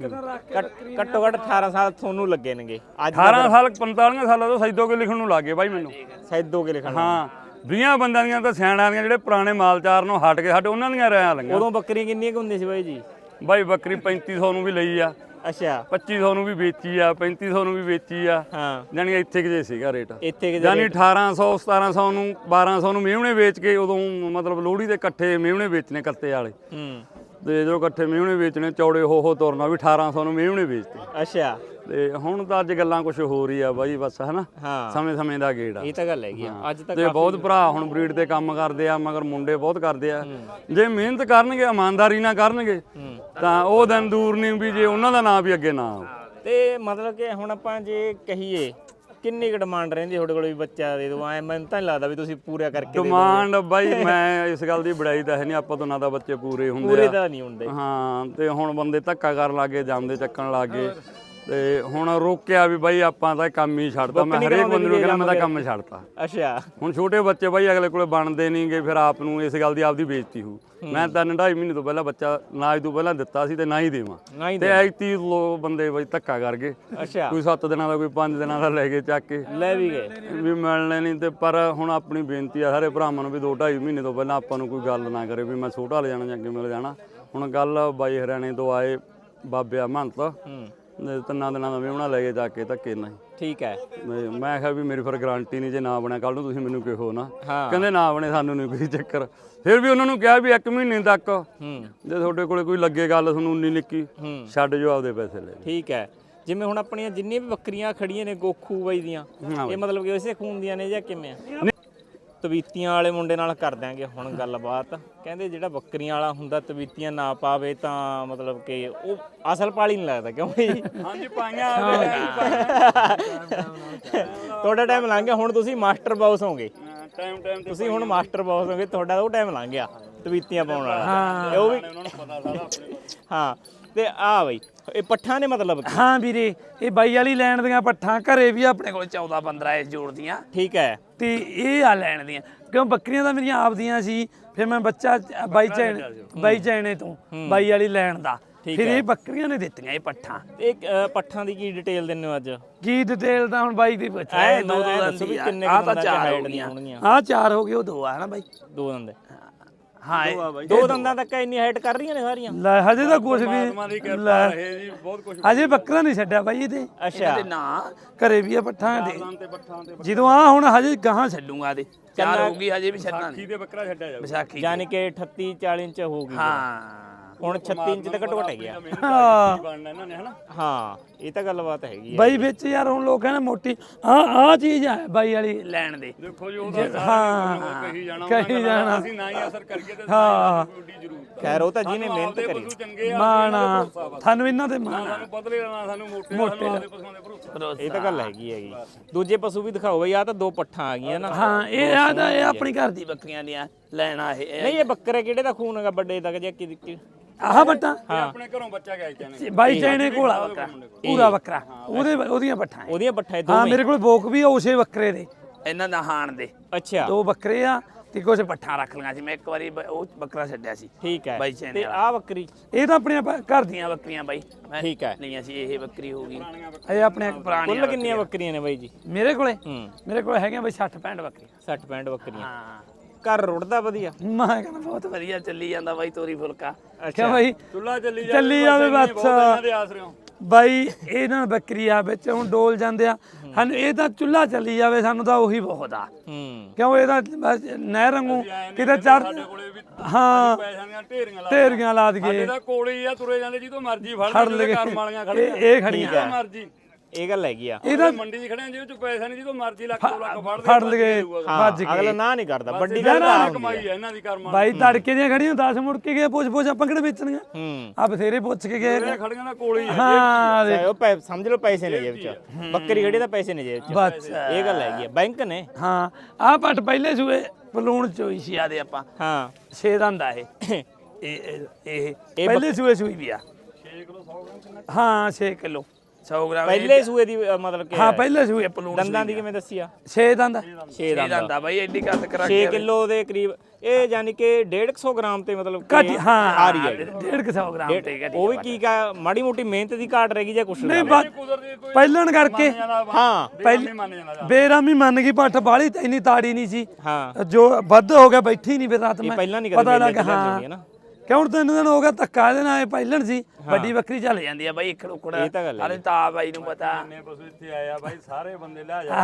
C: ਘੱਟੋ ਘੱਟ ਅਠਾਰਾਂ ਸਾਲ ਤੁਹਾਨੂੰ ਲੱਗੇ ਨੇਗੇ ਅੱਜ
B: ਅਠਾਰਾਂ ਸਾਲ ਪੰਤਾਲੀ ਸਾਲਾਂ ਤੋਂ ਸੈਦੋ ਕੇ ਲਿਖਣ ਨੂੰ ਲੱਗ ਗਏ ਬਾਈ ਮੈਨੂੰ
C: ਸੈਦੋ ਕੇ ਲਿਖਣ
B: ਹਾਂ ਵੀਹਾਂ ਬੰਦਿਆਂ ਦੀਆਂ ਤਾਂ ਸਿਆਣਿਆਂ ਦੀਆਂ ਜਿਹੜੇ ਪੁਰਾਣੇ ਮਾਲਚਾਰ ਨੂੰ ਹਟ ਕੇ ਸਾਡੇ ਉਹਨਾਂ ਦੀਆਂ ਰਿਆਂ ਲੰਗੀਆਂ
C: ਉਦੋਂ ਬੱਕਰੀਆਂ ਕਿੰਨੀਆਂ ਕੁ ਹੁੰਦੀਆਂ ਸੀ ਬਾਈ ਜੀ
B: ਬਾਈ ਬੱਕਰੀ ਪੈਂਤੀ ਸੌ ਨੂੰ ਵੀ ਲਈ ਆ
C: ਅੱਛਾ
B: ਪੱਚੀ ਸੌ ਨੂੰ ਵੀ ਵੇਚੀ ਆ ਪੈਂਤੀ ਸੌ ਨੂੰ ਵੀ ਵੇਚੀ ਆ
C: ਹਾਂ
B: ਜਾਨੀ ਇੱਥੇ ਕਿ ਜੇ ਸੀਗਾ ਰੇਟ
C: ਇੱਥੇ ਕਿ
B: ਜਾਨੀ ਅਠਾਰਾਂ ਸੌ ਸਤਾਰਾਂ ਸੌ ਨੂੰ ਬਾਰਾਂ ਸੌ ਨੂੰ ਮੇਵਣੇ ਵੇਚ ਕੇ ਉਦੋਂ ਮਤਲਬ ਲੋਹੜੀ ਦੇ ਇਕੱਠੇ ਮੇਵਣੇ ਵੇਚਨੇ ਕੱਤੇ ਵਾਲੇ
C: ਹੂੰ
B: ਤੇ ਜਦੋਂ ਇਕੱਠੇ ਮੇਵਣੇ ਵੇਚਣੇ ਚੌੜੇ ਹੋ ਹੋ ਤੁਰਨਾ ਵੀ ਅਠਾਰਾਂ ਸੌ ਨੂੰ ਮੇਵਣੇ ਵੇਚਦੇ
C: ਅੱਛਾ
B: ਤੇ ਹੁਣ ਤਾਂ ਅੱਜ ਗੱਲਾਂ ਕੁਝ ਹੋ ਰਹੀ ਆ ਬਾਈ ਬਸ ਹਨਾ
C: ਹਾਂ
B: ਸਮੇਂ ਸਮੇਂ ਦਾ ਗੇੜ ਆ
C: ਇਹ ਤਾਂ ਗੱਲ ਹੈਗੀ ਆ ਅੱਜ ਤੱਕ
B: ਤੇ ਬਹੁਤ ਭਰਾ ਹੁਣ ਬਰੀਡ ਤੇ ਕੰਮ ਕਰਦੇ ਆ ਮਗਰ ਮੁੰਡੇ ਬਹੁਤ ਕਰਦੇ ਆ ਜੇ ਮਿਹਨਤ ਕਰਨਗੇ ਇਮਾਨਦਾਰੀ ਨਾਲ ਕਰਨਗੇ ਤਾਂ ਉਹ ਦਿਨ ਦੂਰ ਨਹੀਂ ਵੀ ਜੇ ਉਹਨਾਂ ਦਾ ਨਾਂ ਵੀ ਅੱਗੇ ਨਾ ਆਉ
C: ਤੇ ਮਤਲਬ ਕਿ ਹੁਣ ਆਪਾਂ ਜੇ ਕਹੀਏ ਕਿੰਨੀ ਕੁ ਡਿਮਾਂਡ ਰਹਿੰਦੀ ਤੁਹਾਡੇ ਕੋਲ ਵੀ ਬੱਚਾ ਦੇ ਦਿਓ ਐ ਮੈਨੂੰ ਤਾਂ ਨਹੀਂ ਲੱਗਦਾ ਵੀ ਤੁਸੀਂ ਪੂਰਾ ਕਰਕੇ ਦੇ
B: ਡਿਮਾਂਡ ਬਾਈ ਮੈਂ ਇਸ ਗੱਲ ਦੀ ਬੜਾਈ ਤਾਂ ਹੈ ਨਹੀਂ ਆਪਾਂ ਤੋਂ ਨਾ ਤਾਂ ਬੱਚੇ ਪੂਰੇ ਹੁੰਦੇ
C: ਪੂਰੇ
B: ਆ
C: ਤਾਂ ਨਹੀਂ ਹੁੰਦੇ
B: ਹਾਂ ਤੇ ਹੁਣ ਬੰਦੇ ਧੱਕਾ ਕਰਨ ਲੱਗੇ ਜਾਂਦੇ ਚੱਕਣ ਲੱਗੇ ਤੇ ਹੁਣ ਰੋਕਿਆ ਵੀ ਬਾਈ ਆਪਾਂ ਤਾਂ ਕੰਮ ਹੀ ਛੱਡਤਾ ਮੈਂ ਹਰੇਕ ਬੰਦੇ ਨੂੰ ਕਹਿੰਦਾ ਮੈਂ ਤਾਂ ਕੰਮ ਛੱਡਤਾ
C: ਅੱਛਾ
B: ਹੁਣ ਛੋਟੇ ਬੱਚੇ ਬਾਈ ਅਗਲੇ ਕੋਲੇ ਬਣਦੇ ਨਹੀਂਗੇ ਫਿਰ ਆਪ ਨੂੰ ਇਸ ਗੱਲ ਦੀ ਆਪਦੀ ਬੇਇੱਜ਼ਤੀ ਹੋ ਮੈਂ ਤਾਂ ਢਾਈ ਮਹੀਨੇ ਤੋਂ ਪਹਿਲਾਂ ਬੱਚਾ ਨਾ ਅੱਜ ਤੋਂ ਪਹਿਲਾਂ ਦਿੱਤਾ ਸੀ ਤੇ ਨਾ ਹੀ ਦੇਵਾਂ ਤੇ ਐਤੀ ਲੋ ਬੰਦੇ ਬਾਈ ਧੱਕਾ ਕਰ ਗਏ
C: ਅੱਛਾ
B: ਕੋਈ ਸੱਤ ਦਿਨਾਂ ਦਾ ਕੋਈ ਪੰਜ ਦਿਨਾਂ ਦਾ ਲੈ ਕੇ ਚੱਕ ਕੇ
C: ਲੈ ਵੀ ਗਏ
B: ਵੀ ਮਿਲਣੇ ਨਹੀਂ ਤੇ ਪਰ ਹੁਣ ਆਪਣੀ ਬੇਨਤੀ ਆ ਸਾਰੇ ਭਰਾਵਾਂ ਨੂੰ ਵੀ ਦੋ ਢਾਈ ਮਹੀਨੇ ਤੋਂ ਪਹਿਲਾਂ ਆਪਾਂ ਨੂੰ ਕੋਈ ਗੱਲ ਨਾ ਕਰੇ ਵੀ ਮੈਂ ਛੋਟਾ ਲੈ ਜਾਣਾ ਜਾਂ ਅੱਗੇ ਮਿਲ ਜਾਣਾ ਹੁਣ ਗੱਲ ਬਾਈ ਹਰਿਆਣੇ ਤੋਂ ਆਏ ਬਾਬਿਆ ਮਹੰਤ
C: ਹੂੰ
B: ਤਿੰਨਾਂ ਦਿਨਾਂ ਦਾ ਮੇਵਣਾ ਲੈ ਕੇ ਜਾ ਕੇ ਧੱਕੇ ਨਹੀਂ
C: ਠੀਕ ਹੈ
B: ਮੈਂ ਕਿਹਾ ਵੀ ਮੇਰੀ ਫਿਰ ਗਾਰੰਟੀ ਨਹੀਂ ਜੇ ਨਾ ਬਣਿਆ ਕੱਲ ਨੂੰ ਤੁਸੀਂ ਮੈਨੂੰ ਕਿਹੋ ਨਾ
C: ਹਾਂ
B: ਕਹਿੰਦੇ ਨਾ ਬਣੇ ਸਾਨੂੰ ਨਹੀਂ ਕੋਈ ਚੱਕਰ ਫਿਰ ਵੀ ਉਹਨਾਂ ਨੂੰ ਕਿਹਾ ਵੀ ਇੱਕ ਮਹੀਨੇ ਤੱਕ
C: ਹੂੰ
B: ਜੇ ਤੁਹਾਡੇ ਕੋਲੇ ਕੋਈ ਲੱਗੇ ਗੱਲ ਤੁਹਾਨੂੰ ਉਨੀ ਨਿੱਕੀ ਛੱਡ ਜੋ ਆਪਦੇ ਪੈਸੇ ਲੈ
C: ਠੀਕ ਹੈ ਜਿਵੇਂ ਹੁਣ ਆਪਣੀਆਂ ਜਿੰਨੀਆਂ ਵੀ ਬੱਕਰੀਆਂ ਖੜੀਆਂ ਨੇ ਗੋਖੂ ਬਾਈ ਦੀਆਂ ਇਹ ਮਤਲਬ ਕਿ ਇਸੇ ਖੂਨ ਦੀਆਂ ਨੇ ਜਾਂ ਕਿਵੇਂ ਆ ਤਵੀਤੀਆਂ ਵਾਲੇ ਮੁੰਡੇ ਨਾਲ ਕਰ ਦਿਆਂਗੇ ਹੁਣ ਗੱਲਬਾਤ ਕਹਿੰਦੇ ਜਿਹੜਾ ਬੱਕਰੀਆਂ ਵਾਲਾ ਹੁੰਦਾ ਤਵੀਤੀਆਂ ਨਾ ਪਾਵੇ ਤਾਂ ਮਤਲਬ ਕਿ ਉਹ ਅਸਲ ਪਾਲੀ ਨਹੀਂ ਲੱਗਦਾ ਕਿਉਂ ਜੀ
B: ਹਾਂਜੀ ਪਾਈਆਂ
C: ਤੁਹਾਡਾ ਟਾਈਮ ਲੰਘ ਗਿਆ ਹੁਣ ਤੁਸੀਂ ਮਾਸਟਰ ਬਾਸ ਹੋਗੇ
B: ਟਾਈਮ ਟਾਈਮ ਤੇ
C: ਤੁਸੀਂ ਹੁਣ ਮਾਸਟਰ ਬਾਸ ਹੋਗੇ ਤੁਹਾਡਾ ਉਹ ਟਾਈਮ ਲੰਘ ਗਿਆ ਤਵੀਤੀਆਂ ਪਾਉਣ ਵਾਲਾ ਉਹ ਵੀ
B: ਉਹਨਾਂ ਨੂੰ ਪਤਾ ਸਾਰਾ ਆਪਣੇ
C: ਹਾਂ ਤੇ ਆ ਬਈ ਇਹ ਪੱਠਾਂ ਨੇ ਮਤਲਬ
A: ਹਾਂ ਵੀਰੇ ਇਹ ਬਾਈ ਵਾਲੀ ਲੈਣ ਦੀਆਂ ਪੱਠਾਂ ਘਰੇ ਵੀ ਆਪਣੇ ਕੋਲ ਚੌਦਾਂ ਪੰਦਰਾਂ ਇਸ ਜੋੜ ਦੀਆਂ
C: ਠੀਕ ਹੈ
A: ਤੇ ਇਹ ਆ ਲੈਣ ਦੀਆਂ ਕਿਉਂ ਬੱਕਰੀਆਂ ਤਾਂ ਮੇਰੀਆਂ ਆਪਦੀਆਂ ਸੀ ਫਿਰ ਮੈਂ ਬੱਚਾ ਬਾਈ ਚੈਨ ਬਾਈ ਚੈਨੇ ਤੋਂ ਬਾਈ ਵਾਲੀ ਲੈਣ ਦਾ ਫਿਰ ਇਹ ਬੱਕਰੀਆਂ ਨੇ ਦਿੱਤੀਆਂ ਇਹ ਪੱਠਾਂ
C: ਇਹ ਪੱਠਾਂ ਦੀ ਕੀ ਡਿਟੇਲ ਦਿੰਦੇ ਹੋ ਅੱਜ
A: ਕੀ ਡਿਟੇਲ ਤਾਂ ਹੁਣ ਬਾਈ ਦੀ ਪੁੱਛਿਆ
C: ਐ ਦੋ ਦੋ ਦੱਸੋ ਵੀ ਕਿੰਨੇ
A: ਆ ਤਾਂ
C: ਦੰਦਾਂ
A: ਚਾਰ
C: ਹਾਈਟ
A: ਹੋ
C: ਦੀਆਂ
A: ਗਈਆਂ
C: ਹੋਣਗੀਆਂ
A: ਆ ਚਾਰ ਹੋ ਗਏ ਉਹ ਦੋ ਆ ਨਾ ਬਾਈ
C: ਦੋ ਦੰਦ
A: ਹਾਂ
C: ਦੋ ਦੰਦਾਂ ਤੱਕ ਇੰਨੀ ਹਾਈਟ ਕਰ ਰਹੀਆਂ ਨੇ ਸਾਰੀਆਂ
A: ਲੈ ਹਜੇ ਤਾਂ ਕੁਝ ਵੀ
B: ਦੀ ਕਿਰਪਾ ਰਹੇ ਜੀ ਬਹੁਤ ਕੁਝ
A: ਹਜੇ ਬੱਕਰਾ ਨਹੀਂ ਛੱਡਿਆ ਬਾਈ ਇਹਦੇ
C: ਅੱਛਾ
A: ਤੇ ਨਾ ਘਰੇ ਵੀ ਆ ਪੱਠਾਂ ਦੇ
B: ਤੇ ਪੱਠਾਂ ਤੇ
A: ਜਦੋਂ ਆ ਹੁਣ ਹਜੇ ਗਾਹਾਂ ਛੱਡੂਗਾ ਇਹਦੇ ਚਾਰ ਹੋ ਗਈ ਹਜੇ ਵੀ ਛੱਡਣਾ ਨਹੀਂ
B: ਦੇ ਬੱਕਰਾ ਛੱਡਿਆ ਜਾਊ
A: ਵਿਸਾਖੀ
C: ਯਾਨੀ ਕਿ ਅਠੱਤੀ ਚਾਲੀ ਇੰਚ ਹੋ ਗਈ
A: ਹਾਂ
C: ਹੁਣ ਛੱਤੀ ਇੰਚ ਤੱਕ ਘਟ ਗਿਆ
A: ਹਾਂ
B: ਬਣਨਾ ਇਹਨਾਂ ਨੇ ਹਨਾ
C: ਹਾਂ ਇਹ ਤਾਂ ਗੱਲਬਾਤ ਹੈਗੀ ਹੈ
A: ਬਾਈ ਵਿੱਚ ਯਾਰ ਹੁਣ ਲੋਕ ਕਹਿੰਦੇ ਮੋਟੀ ਆ ਆ ਚੀਜ਼ ਆ ਬਾਈ ਵਾਲੀ ਲੈਣ ਦੇ
B: ਦੇਖੋ ਜੀ ਉਹਦਾ
A: ਹਾਂ
B: ਕਹੀ ਜਾਣਾ
A: ਕਹੀ ਜਾਣਾ
B: ਅਸੀਂ ਨਾ ਹੀ ਅਸਰ ਕਰੀਏ ਤੇ
A: ਹਾਂ
B: ਉੱਡੀ ਜ਼ਰੂਰ
C: ਖੈਰ ਉਹ ਤਾਂ ਜਿਹਨੇ ਮਿਹਨਤ ਕਰੀ
B: ਪਸ਼ੂ ਚੰਗੇ ਆ
A: ਮਾਣਾ ਤੁਹਾਨੂੰ ਇਹਨਾਂ ਦੇ ਮਾਣਾ
B: ਸਾਨੂੰ ਬਦਲੇ ਨਾ ਸਾਨੂੰ ਮੋਟੇ ਸਾਨੂੰ ਆਪਦੇ ਪਸ਼ੂਆਂ ਦੇ ਭਰੋਸਾ
C: ਇਹ ਤਾਂ ਗੱਲ ਹੈਗੀ ਹੈਗੀ ਦੂਜੇ ਪਸ਼ੂ ਵੀ ਦਿਖਾਓ ਬਈ ਆ ਤਾਂ ਦੋ ਪੱਠਾਂ ਆ ਗਈਆਂ ਨਾ
A: ਹਾਂ ਇਹ ਆ ਤਾਂ ਇਹ ਆਪਣੀ ਘਰ ਦੀ ਬੱਕਰੀਆਂ ਦੀਆਂ ਲੈਣਾ ਇਹ
C: ਨਹੀਂ ਇਹ ਬੱਕਰੇ ਕਿਹੜੇ ਦਾ ਖੂਨ ਹੈਗਾ ਵੱਡੇ ਤੱਕ ਜਾਂ ਕਿ
A: ਆਹ ਬੱਟਾ
B: ਆਪਣੇ ਘਰੋਂ ਬੱਚਾ ਗਿਆ ਕਹਿੰਦੇ
A: ਬਾਈ ਚੈਨੇ ਕੋਲ ਆ ਬੱਕਰਾ ਪੂਰਾ ਬੱਕਰਾ ਉਹਦੇ ਉਹਦੀਆਂ ਪੱਠਾਂ
C: ਉਹਦੀਆਂ ਪੱਠਾਂ
A: ਹਾਂ ਮੇਰੇ ਕੋਲ ਬੋਕ ਵੀ ਆ ਉਸੇ ਬੱਕਰੇ ਦੇ ਇਹਨਾਂ ਦਾ ਹਾਣ ਦੇ
C: ਅੱਛਾ
A: ਦੋ ਬੱਕਰੇ ਆ ਤੇ ਕੁਝ ਪੱਠਾਂ ਰੱਖ ਲਈਆਂ ਸੀ। ਮੈਂ ਇੱਕ ਵਾਰੀ ਬ- ਉਹ ਬੱਕਰਾ ਛੱਡਿਆ ਸੀ
C: ਠੀਕ ਹੈ
A: ਬਾਈ ਚੈਨ
C: ਤੇ
A: ਵਾਲਾ।
C: ਆ ਬੱਕਰੀ
A: ਇਹ ਤਾਂ ਆਪਣੀਆਂ ਬ- ਘਰ ਦੀਆਂ ਬੱਕਰੀਆਂ ਬਾਈ ਮੈਂ
C: ਠੀਕ ਹੈ
A: ਲਈਆਂ ਸੀ। ਇਹ ਬੱਕਰੀ ਹੋ ਗਈ ਇਹ ਆਪਣੇ ਪੁਰਾਣੀਆਂ
C: ਕੁੱਲ ਕਿੰਨੀਆਂ ਬੱਕਰੀਆਂ ਨੇ ਬਾਈ ਜੀ
A: ਮੇਰੇ ਕੋਲੇ
C: ਹੂੰ
A: ਮੇਰੇ ਕੋਲ ਹੈਗੀਆਂ ਬਾਈ ਸੱਠ ਪੈਂਹਠ ਬੱਕਰੀਆਂ।
C: ਸੱਠ ਪੈਂਹਠ ਬੱਕਰੀਆਂ
A: ਹਾਂ
C: ਘਰ ਰੁੜਦਾ ਵਧੀਆ
A: ਮੈਂ ਕਹਿੰਦਾ ਬਹੁਤ ਵਧੀਆ ਚੱਲੀ ਜਾਂਦਾ ਬਾਈ ਤੋਰੀ ਫੁਲਕਾ
C: ਅੱਛਾ।
A: ਕਿਉਂ ਬਾਈ
B: ਚੁੱਲਾ ਚੱਲੀ ਜਾਵੇ
A: ਚੱਲੀ ਜਾਵੇ
B: ਬਹੁਤ
A: ਬਸ
B: ਇਹਨਾਂ ਦੇ ਆਸਰਿਓ
A: ਬਾਈ ਇਹਨਾਂ ਬੱਕਰੀ ਆ ਵਿੱਚ ਹੁਣ ਡੋਲ ਜਾਂਦੇ ਆ ਸਾਨੂੰ ਇਹ ਤਾਂ ਚੁੱਲ੍ਹਾ ਚੱਲੀ ਜਾਵੇ ਸਾਨੂੰ ਤਾਂ ਉਹੀ ਬਹੁਤ ਆ
C: ਹੂੰ
A: ਕਿਉਂ ਇਹਦਾ ਬਸ ਨਹਿਰ ਵਾਂਗੂ ਕਿਤੇ ਚੜ
B: ਸਾਡੇ ਕੋਲੇ ਵੀ
A: ਹਾਂ
B: ਪੈਸਿਆਂ ਦੀਆਂ ਢੇਰੀਆਂ ਲਾ
A: ਢੇਰੀਆਂ ਲਾ ਦਈਏ
B: ਸਾਡੇ ਤਾਂ ਕੋਲੇ ਹੀ ਆ ਤੁਰੇ ਜਾਂਦੇ ਜਿੱਦੋਂ ਮਰਜ਼ੀ ਫੜ
A: ਫੜ
B: ਲਈਏ
A: ਲਈਏ।
B: ਘਰ ਵਾਲੀਆਂ
A: ਇਹ
B: ਖੜੀਆਂ
A: ਇਹ ਖੜੀਆਂ
B: ਜਿੱਦੋਂ ਮਰਜ਼ੀ
C: ਇਹ ਗੱਲ ਹੈਗੀ ਆ
A: ਇਹਦਾ
B: ਮੰਡੀ 'ਚ ਖੜੇ ਆ ਜਿਹਦੇ ਚ ਪੈਸਾ ਨਹੀਂ ਜਿੱਦੋਂ ਮਰਜ਼ੀ ਲੱਖ ਦੋ ਲੱਖ ਫੜ
A: ਫੜ ਲਈਏ
C: ਹਾਂ
A: ਭੱਜ
C: ਅਗਲਾ
A: ਕੇ
C: ਨਾ ਨਹੀਂ ਕਰਦਾ ਵੱਡੀ
B: ਵੱਡੀ
C: ਗੱਲ ਆ
B: ਕਮਾਈ ਹੈ ਇਹਨਾਂ ਦੀ ਕਰਮਾਂ
A: ਬਾਈ ਤੜਕੇ ਦੀਆਂ ਖੜੀਆਂ ਦਸ ਮੁੜ ਕੇ ਗਏ ਪੁੱਛ ਪੁੱਛ ਆਪਾਂ ਕਿਹੜੇ ਵੇਚਣੀਆਂ
C: ਹੂੰ
A: ਆ ਬਥੇਰੇ ਪੁੱਛ ਕੇ ਗਏ ਨੇ।
B: ਖੜੀਆਂ ਦਾ ਕੋਲੇ ਹੀ ਆ
A: ਹਾਂ
C: ਚਾਹੇ ਉਹ ਪੈ- ਸਮਝ ਲਓ ਪੈਸੇ ਨੇ ਜੇਬ ਚ ਬੱਕਰੀ ਖੜੀ ਤਾਂ ਪੈਸੇ ਨੇ ਜੇਬ ਚ
A: ਬਸ
C: ਇਹ ਗੱਲ ਹੈਗੀ ਆ ਬੈਂਕ ਨੇ
A: ਹਾਂ ਆ ਪੱਟ ਪਹਿਲੇ ਸੂਏ ਪਲੂਣ ਚੋਈ ਸੀ ਆਦੇ ਆਪਾਂ
C: ਹਾਂ
A: ਛੇ ਦੰਦ ਆ ਇਹ ਇਹ ਇਹ- ਇਹ ਪਹਿਲੇ ਸੂਏ ਸੂਈ ਵੀ ਆ
B: ਛੇ ਕਿਲੋ ਸੌ ਗ੍ਰਾਮ ਕਿੰਨਾ
A: ਹਾਂ ਛੇ ਕਿਲੋ ਸੌ ਗ੍ਰਾਮ ਇਹ-
C: ਪਹਿਲੇ ਸੂਏ ਦੀ ਅ, ਮਤਲਬ ਕਿ
A: ਹਾਂ ਪਹਿਲੇ ਸੂਏ ਪਲੂਣ
C: ਦੰਦਾਂ ਦੀ ਕਿਵੇਂ ਦੱਸੀ ਆ
A: ਛੇ ਦੰਦ
C: ਛੇ ਦੰਦ
A: ਦੰਦ ਆ ਬਾਈ ਐਡੀ ਕੱਦ ਕਰਾ
C: ਛੇ ਕਿਲੋ ਦੇ ਕਰੀਬ ਇਹ ਯਾਨੀ ਕਿ ਡੇਢ ਕੁ ਸੌ ਗ੍ਰਾਮ ਤੇ ਮਤਲਬ
A: ਘੱਟ
C: ਕਿ
A: ਹਾਂ
C: ਆ ਰਹੀ ਹੈ
A: ਡੇਢ ਕੁ ਸੌ ਗ੍ਰਾਮ ਤੇ ਘਟੀ
C: ਉਹ ਵੀ ਕੀ ਕਾ ਮਾੜੀ ਮੋਟੀ ਮਿਹਨਤ ਦੀ ਘਾਟ ਰਹਿ ਗਈ ਜਾਂ ਕੁਛ
A: ਨਹੀਂ
C: ਨਹੀਂ
A: ਬਸ
B: ਕੁਦਰਤੀ ਕੋਈ
A: ਪਹਿਲਣ ਕਰਕੇ
C: ਹਾਂ
B: ਪਹਿਲੇ ਮੰਨ ਜਾਂਦਾ
A: ਬੇਰਾਮੀ ਮੰਨ ਗਈ ਪੱਠ ਬਾਲੀ ਤੇ ਇੰਨੀ ਤਾੜੀ ਨਹੀਂ ਸੀ
C: ਹਾਂ
A: ਜੋ ਵੱਧ ਹੋ ਗਿਆ ਬੈਠੀ ਨਹੀਂ ਫਿਰ ਰਾਤ ਮੈਂ
C: ਪਹਿਲਾਂ ਨਹੀਂ ਕਦੇ
A: ਪਤਾ
C: ਮੇਲੇ
A: ਲੱਗਾ
C: ਚ ਲੈਂਦੀ
A: ਹਾਂ
C: ਹੁੰਦੀ ਹੈ ਨਾ
A: ਕਿਉਂ ਤਿੰਨ ਦਿਨ ਹੋ ਗਿਆ ਧੱਕਾ ਇਹਦੇ ਨਾਲ ਇਹ ਪਹਿਲਣ ਸੀ ਵੱਡੀ ਬੱਕਰੀ ਚੱਲ ਜਾਂਦੀ ਆ ਬਾਈ ਇੱਕ ਰੁਕੜ
C: ਇਹ ਤਾਂ ਗੱਲ ਹੈ।
A: ਅਰੇ ਤਾਂ ਬਾਈ ਨੂੰ ਪਤਾ
B: ਨੇ ਪਸ਼ੂ ਇੱਥੇ ਆਇਆ ਬਾਈ ਸਾਰੇ ਬੰਦੇ ਲੈ ਜਾ